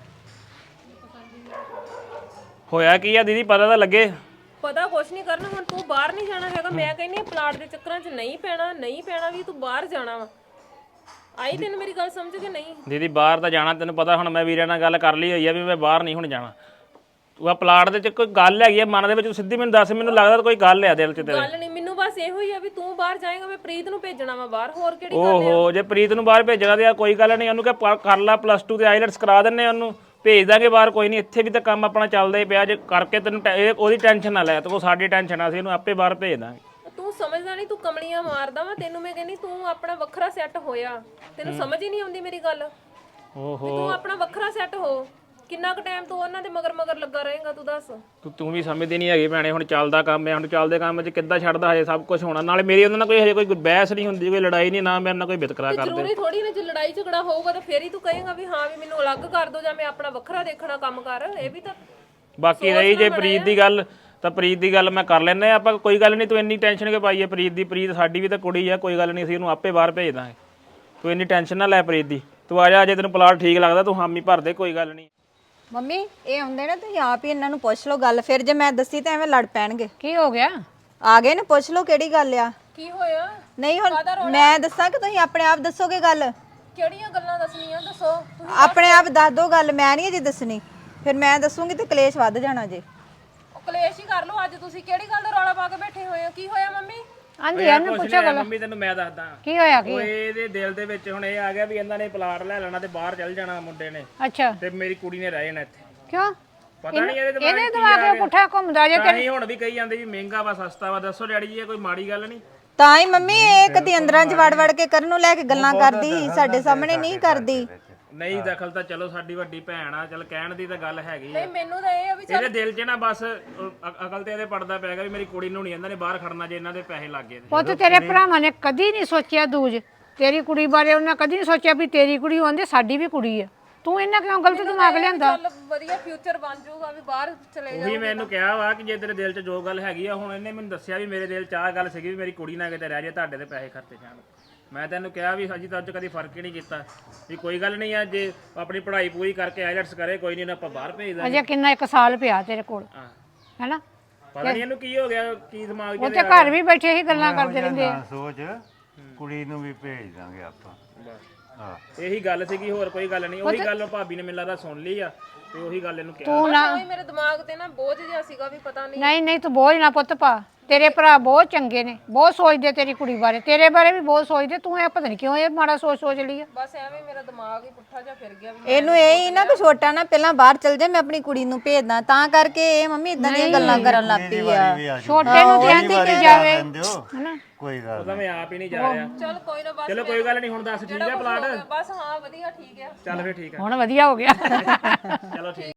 [SPEAKER 5] ਹੋਇਆ ਕੀ ਆ ਦੀਦੀ, ਪਤਾ ਤਾਂ ਲੱਗੇ।
[SPEAKER 6] ਪਤਾ ਕੁਛ ਨਹੀਂ ਕਰਨਾ। ਹੁਣ ਤੂੰ ਬਾਹਰ ਨਹੀਂ ਜਾਣਾ ਹੈਗਾ। ਮੈਂ ਕਹਿੰਨੀ ਪਲਾਟ ਦੇ ਚੱਕਰਾਂ 'ਚ ਨਹੀਂ ਪੈਣਾ, ਨਹੀਂ ਪੈਣਾ ਵੀ ਤੂੰ ਬਾਹਰ ਜਾਣਾ ਵਾ। ਆਈ ਤੈਨੂੰ ਮੇਰੀ ਗੱਲ ਸਮਝ ਕੇ ਨਹੀਂ?
[SPEAKER 5] ਦੀਦੀ ਬਾਹਰ ਤਾਂ ਜਾਣਾ, ਤੈਨੂੰ ਪਤਾ ਹੁਣ ਮੈਂ ਵੀਰੇ ਨਾਲ ਗੱਲ ਕਰ ਲਈ ਹੋਈ ਆ ਵੀ ਮੈਂ ਬਾਹਰ ਨਹੀਂ ਹੁਣ ਜਾਣਾ। ਤੂੰ ਆ ਪਲਾਟ ਦੇ ਚ ਕੋਈ ਗੱਲ ਹੈਗੀ ਆ ਮਨ ਦੇ ਵਿੱਚ, ਸਿੱਧੀ ਮੈਨੂੰ ਦੱਸ। ਮੈਨੂੰ ਲੱਗਦਾ ਕੋਈ ਗੱਲ ਆ ਦਿਲ 'ਚ ਤੇਰੇ।
[SPEAKER 6] ਗੱਲ ਨਹੀਂ, ਮੈਨੂੰ ਬਸ ਇਹੋ ਹੀ ਆ ਵੀ ਤੂੰ ਬਾਹਰ ਜਾਏਗਾ, ਮੈਂ ਪ੍ਰੀਤ ਨੂੰ ਭੇਜਣਾ ਵਾ ਬਾਹਰ। ਹੋਰ ਕਿਹੜੀ ਗੱਲ ਆ?
[SPEAKER 5] ਓਹੋ, ਜੇ ਪ੍ਰੀਤ ਨੂੰ ਬਾਹਰ ਭੇਜਣਾ ਤੇ ਆ ਕੋਈ ਗੱਲ ਨਹੀਂ। ਉਹਨੂੰ ਕਹ ਕਰ ਲਾ ਪਲੱਸ ਟੂ ਤੇ ਆਈਲੈਟਸ ਕਰਾ ਦਿੰਨੇ, ਉਹਨੂੰ ਭੇਜ ਦਾਂਗੇ ਬਾਹਰ। ਕੋਈ ਨਹੀਂ, ਇੱਥੇ ਵੀ ਤਾਂ ਕੰਮ ਆਪਣਾ ਚੱਲਦਾ ਹੀ ਪਿਆ। ਜੇ ਕਰਕੇ ਤੈਨੂੰ ਟੈ- ਇਹ ਉਹਦੀ ਟੈਨਸ਼ਨ ਨਾ ਲੈ, ਤੂੰ ਸਾਡੀ ਟੈਨਸ਼ਨ ਆ, ਅਸੀਂ ਇਹਨੂੰ ਆਪੇ ਬਾਹਰ ਭੇਜ ਦਾਂਗੇ।
[SPEAKER 6] ਤੂੰ ਸਮਝਦਾ ਨਹੀਂ, ਤੂੰ ਕਮਲੀਆਂ ਮਾਰਦਾ ਵਾ। ਤੈਨੂੰ ਮੈਂ ਕਹਿੰਨੀ ਤੂੰ ਆਪਣਾ ਵੱਖਰਾ ਸੈੱਟ ਹੋਇਆ। ਤੈਨੂੰ ਸਮਝ ਹੀ ਨਹੀਂ ਆਉਂਦੀ ਮੇਰੀ ਗੱਲ।
[SPEAKER 5] ਓਹੋ,
[SPEAKER 6] ਤੂੰ ਆਪਣਾ ਵੱਖਰਾ ਸੈੱਟ ਹੋ। ਕਿੰਨਾ ਕੁ ਟਾਈਮ ਤੂੰ ਉਹਨਾਂ ਦੇ ਮਗਰ ਮਗਰ ਲੱਗਾ ਰਹੇਗਾ, ਤੂੰ ਦੱਸ।
[SPEAKER 5] ਤੂੰ ਤੂੰ ਵੀ ਸਮਝਦੀ ਨਹੀਂ ਹੈਗੀ ਭੈਣੇ। ਹੁਣ ਚੱਲਦਾ ਕੰਮ ਹੈ, ਹੁਣ ਚੱਲਦੇ ਕੰਮ 'ਚ ਕਿੱਦਾਂ ਛੱਡਦਾ ਹਜੇ ਸਭ ਕੁਝ ਹੋਣਾ। ਨਾਲੇ ਮੇਰੀ ਉਹਨਾਂ ਨਾਲ ਕੋਈ ਹਜੇ ਕੋਈ ਬਹਿਸ ਨਹੀਂ ਹੁੰਦੀ, ਕੋਈ ਲੜਾਈ ਨਹੀਂ, ਨਾ ਮੇਰੇ ਨਾਲ ਕੋਈ ਵਿਤਕਰਾ ਕਰਦੇ।
[SPEAKER 6] ਜ਼ਰੂਰੀ ਥੋੜੀ ਨਾ ਜੇ ਲੜਾਈ ਝਗੜਾ ਹੋਊਗਾ ਤਾਂ ਫੇਰ ਹੀ ਤੂੰ ਕਹੇਗਾ ਵੀ ਹਾਂ ਵੀ ਮੈਨੂੰ ਅਲੱਗ ਕਰ ਦੋ, ਜਾਂ ਮੈਂ ਆਪਣਾ ਵੱਖਰਾ ਦੇਖਣਾ ਕੰਮ ਕਰ। ਇਹ ਵੀ ਤਾਂ
[SPEAKER 5] ਬਾਕੀ ਰਹੀ ਜੇ ਪ੍ਰੀਤ ਦੀ ਗੱਲ, ਤਾਂ ਪ੍ਰੀਤ ਦੀ ਗੱਲ ਮੈਂ ਕਰ ਲੈਂਦੇ ਆ ਆਪਾਂ। ਕੋਈ ਗੱਲ ਨਹੀਂ, ਤੂੰ ਇੰਨੀ ਟੈਨਸ਼ਨ ਕਿਉਂ ਪਾਈ ਹੈ ਪ੍ਰੀਤ ਦੀ? ਪ੍ਰੀਤ ਸਾਡੀ ਵੀ ਤਾਂ ਕੁੜੀ ਆ, ਕੋਈ ਗੱਲ ਨਹੀਂ, ਅਸੀਂ ਉਹਨੂੰ ਆਪੇ ਬਾਹਰ ਭੇਜ ਦਾਂਗੇ। ਤੂੰ ਇੰਨੀ ਟੈਨਸ਼ਨ ਨਾ ਲੈ ਪ੍ਰੀਤ ਦੀ। ਤੂੰ ਆ ਜਾ, ਜੇ ਤੈਨੂੰ ਪਲਾਟ ਠੀਕ ਲੱਗਦਾ ਤੂੰ ਹਾਮੀ ਭਰ ਦੇ, ਕੋਈ ਗੱਲ ਨਹੀਂ।
[SPEAKER 3] ਮੰਮੀ ਇਹ ਆਉਂਦੇ ਨੇ, ਤੁਸੀਂ ਆਪ ਹੀ ਇਹਨਾਂ ਨੂੰ ਪੁੱਛ ਲਓ ਗੱਲ। ਫਿਰ ਜੇ ਮੈਂ ਦੱਸੀ ਤਾਂ ਐਵੇਂ ਲੜ ਪੈਣਗੇ।
[SPEAKER 1] ਕੀ ਹੋ ਗਿਆ?
[SPEAKER 3] ਆ ਗਏ ਨੇ, ਪੁੱਛ ਲਓ ਕਿਹੜੀ ਗੱਲ ਆ।
[SPEAKER 6] ਕੀ ਹੋਇਆ?
[SPEAKER 3] ਨਹੀਂ ਹੁਣ ਮੈਂ ਦੱਸਾਂ ਕਿ ਤੁਸੀਂ ਆਪਣੇ ਆਪ ਦੱਸੋਗੇ ਗੱਲ?
[SPEAKER 6] ਕਿਹੜੀਆਂ ਗੱਲਾਂ ਦੱਸਣੀਆਂ ਦੱਸੋ।
[SPEAKER 3] ਆਪਣੇ ਆਪ ਦੱਸ ਦੋ ਗੱਲ, ਮੈਂ ਨਹੀਂ ਅਜੇ ਦੱਸਣੀ। ਫਿਰ ਮੈਂ ਦੱਸੂਗੀ ਤੇ ਕਲੇਸ਼ ਵੱਧ ਜਾਣਾ ਜੇ।
[SPEAKER 6] ਉਹ ਕਲੇਸ਼ ਹੀ ਕਰ ਲਓ। ਅੱਜ ਤੁਸੀਂ ਕਿਹੜੀ ਗੱਲ ਦਾ ਰੌਲਾ ਪਾ ਕੇ ਬੈਠੇ ਹੋਏ ਹੋ? ਕੀ ਹੋਇਆ ਮੰਮੀ?
[SPEAKER 1] ਆਂਦੀ ਇਹਨੂੰ ਪੁੱਛੋ ਗੱਲ।
[SPEAKER 5] ਮੰਮੀ ਤੈਨੂੰ ਮੈਂ ਦੱਸਦਾ
[SPEAKER 1] ਕੀ ਹੋਇਆ? ਕੀ
[SPEAKER 5] ਉਹ ਇਹਦੇ ਦਿਲ ਦੇ ਵਿੱਚ ਹੁਣ ਇਹ ਆ ਗਿਆ ਵੀ ਇਹਨਾਂ ਨੇ ਪਲਾਟ ਲੈ ਲੈਣਾ ਤੇ ਬਾਹਰ ਚੱਲ ਜਾਣਾ ਮੁੰਡੇ ਨੇ,
[SPEAKER 1] ਅੱਛਾ,
[SPEAKER 5] ਤੇ ਮੇਰੀ ਕੁੜੀ ਨੇ ਰਹਿ ਜਾਣਾ ਇੱਥੇ।
[SPEAKER 1] ਕਿਉਂ?
[SPEAKER 5] ਪਤਾ ਨਹੀਂ ਇਹਦੇ
[SPEAKER 1] ਇਹਦੇ ਦਿਮਾਗ ਪੁੱਠਾ ਘੁੰਮਦਾ ਜੇ
[SPEAKER 5] ਤਾਂ ਹੀ ਹੁਣ ਵੀ ਕਹੀ ਜਾਂਦੇ ਵੀ ਮਹਿੰਗਾ ਵਾ ਸਸਤਾ ਵਾ। ਦੱਸੋ ਡੈਡੀ ਜੀ ਇਹ ਕੋਈ ਮਾੜੀ ਗੱਲ ਨਹੀਂ।
[SPEAKER 3] ਤਾਂ ਹੀ ਮੰਮੀ ਇਹ ਕਦੀ ਅੰਦਰਾਂ ਚ ਵੜ ਵੜ ਕੇ ਕਰਨ ਨੂੰ ਲੈ ਕੇ ਗੱਲਾਂ ਕਰਦੀ ਸੀ, ਸਾਡੇ ਸਾਹਮਣੇ ਨਹੀਂ ਕਰਦੀ।
[SPEAKER 5] ਨਹੀਂ ਦਖਲ ਤਾਂ ਚਲੋ ਸਾਡੀ ਵੱਡੀ ਭੈਣ ਆ, ਚਲ ਕਹਿਣ ਦੀ ਤਾਂ ਗੱਲ ਹੈਗੀ ਆ।
[SPEAKER 6] ਨਹੀਂ ਮੈਨੂੰ ਤਾਂ ਇਹ ਆ ਵੀ
[SPEAKER 5] ਇਹਦੇ ਦਿਲ 'ਚ ਨਾ ਬਸ ਅ- ਅਕਲ ਤੇ ਇਹਦੇ ਪੜਦਾ ਪੈ ਗਿਆ ਵੀ ਮੇਰੀ ਕੁੜੀ ਨੂੰ ਨਹੀਂ ਇਹਨਾਂ ਨੇ ਬਾਹਰ ਖੜਨਾ ਜੇ ਇਹਨਾਂ ਦੇ ਪੈਸੇ ਲੱਗ ਗਏ ਤੇ।
[SPEAKER 1] ਪੁੱਤ ਤੇਰੇ ਭਰਾਵਾਂ ਨੇ ਕਦੀ ਨਹੀਂ ਸੋਚਿਆ ਦੂਜ ਤੇਰੀ ਕੁੜੀ ਬਾਰੇ, ਉਹਨਾਂ ਕਦੀ ਨਹੀਂ ਸੋਚਿਆ ਵੀ ਤੇਰੀ ਕੁੜੀ ਹੁੰਦੀ ਸਾਡੀ ਵੀ ਕੁੜੀ ਆ। ਤੂੰ ਇਹਨਾਂ ਕਿਉਂ ਗਲਤ ਦਿਮਾਗ ਲਿਆਂਦਾ?
[SPEAKER 6] ਚੱਲ ਵਧੀਆ ਫਿਊਚਰ ਬਣ ਜਾਊਗਾ ਵੀ ਬਾਹਰ ਚਲੇ ਜਾ।
[SPEAKER 5] ਉਹੀ ਮੈਨੂੰ ਕਿਹਾ ਵਾ ਕਿ ਜੇ ਤੇਰੇ ਦਿਲ 'ਚ ਜੋ ਗੱਲ ਹੈਗੀ ਆ, ਹੁਣ ਇਹਨੇ ਮੈਨੂੰ ਦੱਸਿਆ ਵੀ ਮੇਰੇ ਦਿਲ 'ਚ ਆਹ ਗੱਲ ਸੀਗੀ ਵੀ ਮੇਰੀ ਕੁੜੀ ਨਾ ਕਿਤੇ ਰਹਿ ਜਾਏ, ਤੁਹਾਡੇ ਤੇ ਪੈਸੇ ਖਰਚੇ ਜਾਣ। ਮੈਂ ਤੈਨੂੰ ਕਿਹਾ ਵੀ ਹਜੇ ਤੱਕ ਕਦੀ ਫਰਕ ਹੀ ਨਹੀਂ ਕੀਤਾ ਵੀ ਕੋਈ ਗੱਲ ਨਹੀਂ ਆ, ਜੇ ਆਪਣੀ ਪੜ੍ਹਾਈ ਪੂਰੀ ਕਰਕੇ ਆਈਲੈਟਸ ਕਰੇ ਕੋਈ ਨਹੀਂ, ਆਪਾਂ ਬਾਹਰ ਭੇਜ ਦਾਂਗੇ।
[SPEAKER 1] ਅਜੇ ਕਿੰਨਾ ਇੱਕ ਸਾਲ ਪਿਆ ਤੇਰੇ ਕੋਲ,
[SPEAKER 5] ਹਾਂ
[SPEAKER 1] ਹੈਨਾ?
[SPEAKER 5] ਪਤਾ ਨਹੀਂ ਇਹਨੂੰ ਕੀ ਹੋ ਗਿਆ, ਕੀ ਦਿਮਾਗ 'ਚ
[SPEAKER 1] ਉਹ ਤੇ ਘਰ ਵੀ ਬੈਠੇ ਹੀ ਗੱਲਾਂ ਕਰਦੇ ਰਹਿੰਦੇ ਆ।
[SPEAKER 2] ਨਾ ਸੋਚ, ਕੁੜੀ ਨੂੰ ਵੀ ਭੇਜ ਦਾਂਗੇ ਆਪਾਂ। ਹਾਂ
[SPEAKER 5] ਇਹੀ ਗੱਲ ਸੀਗੀ, ਹੋਰ ਕੋਈ ਗੱਲ ਨਹੀਂ। ਉਹੀ ਗੱਲ ਭਾਬੀ ਨੇ ਮੈਨੂੰ ਲੱਗਦਾ ਸੁਣ ਲਈ ਆ ਤੇ ਉਹੀ ਗੱਲ ਇਹਨੂੰ ਕਿਹਾ।
[SPEAKER 1] ਤੂੰ ਨਾ
[SPEAKER 6] ਕੋਈ ਮੇਰੇ ਦਿਮਾਗ ਤੇ ਨਾ ਬੋਝ ਜਿਹਾ ਸੀਗਾ ਵੀ ਪਤਾ ਨਹੀਂ।
[SPEAKER 1] ਨਹੀਂ ਨਹੀਂ ਤੂੰ ਬੋਝ ਨਾ ਪੁੱਤ ਪਾ, ਤੇਰੇ ਭਰਾ ਬਹੁਤ ਚੰਗੇ ਨੇ, ਬਹੁਤ ਸੋਚਦੇ ਤੇਰੀ ਕੁੜੀ ਬਾਰੇ, ਤੇਰੇ ਬਾਰੇ ਵੀ ਬਹੁਤ ਸੋਚਦੇ। ਤੂੰ ਇਹ ਪਤਾ ਨਹੀਂ ਕਿਉਂ ਇਹ ਮਾੜਾ ਸੋਚ ਸੋਚ ਲਈ ਆ।
[SPEAKER 6] ਬਸ ਐਵੇਂ ਮੇਰਾ ਦਿਮਾਗ ਹੀ ਪੁੱਠਾ ਜਿਹਾ ਫਿਰ ਗਿਆ ਵੀ
[SPEAKER 3] ਇਹਨੂੰ ਇਹ ਹੀ ਨਾ ਕਿ ਛੋਟਾ ਨਾ ਪਹਿਲਾਂ ਬਾਹਰ ਚਲ ਜਾ, ਮੈਂ ਆਪਣੀ ਕੁੜੀ ਨੂੰ ਭੇਜਦਾ, ਤਾਂ ਕਰਕੇ ਇਹ ਮੰਮੀ ਇਦਾਂ ਦੀਆਂ ਗੱਲਾਂ ਕਰਨ ਲੱਗ ਪਈ ਆ।
[SPEAKER 1] ਛੋਟੇ ਨੂੰ ਤੇ ਆਂਦੀ ਕਿ ਜਾਵੇ,
[SPEAKER 2] ਹਨਾ ਕੋਈ ਗੱਲ
[SPEAKER 5] ਉਹਦਾ ਮੈਂ ਆਪ ਹੀ ਨਹੀਂ ਜਾ ਰਿਹਾ।
[SPEAKER 6] ਚੱਲ ਕੋਈ ਨਾ ਬਸ
[SPEAKER 5] ਚਲੋ ਕੋਈ ਗੱਲ ਨਹੀਂ, ਹੁਣ ਦੱਸ ਠੀਕ ਆ ਪਲਾਟ?
[SPEAKER 6] ਬਸ ਹਾਂ ਵਧੀਆ ਠੀਕ ਆ।
[SPEAKER 5] ਚੱਲ ਫੇਰ ਠੀਕ ਆ,
[SPEAKER 1] ਹੁਣ ਵਧੀਆ ਹੋ ਗਿਆ।
[SPEAKER 5] ਚਲੋ ਠੀਕ।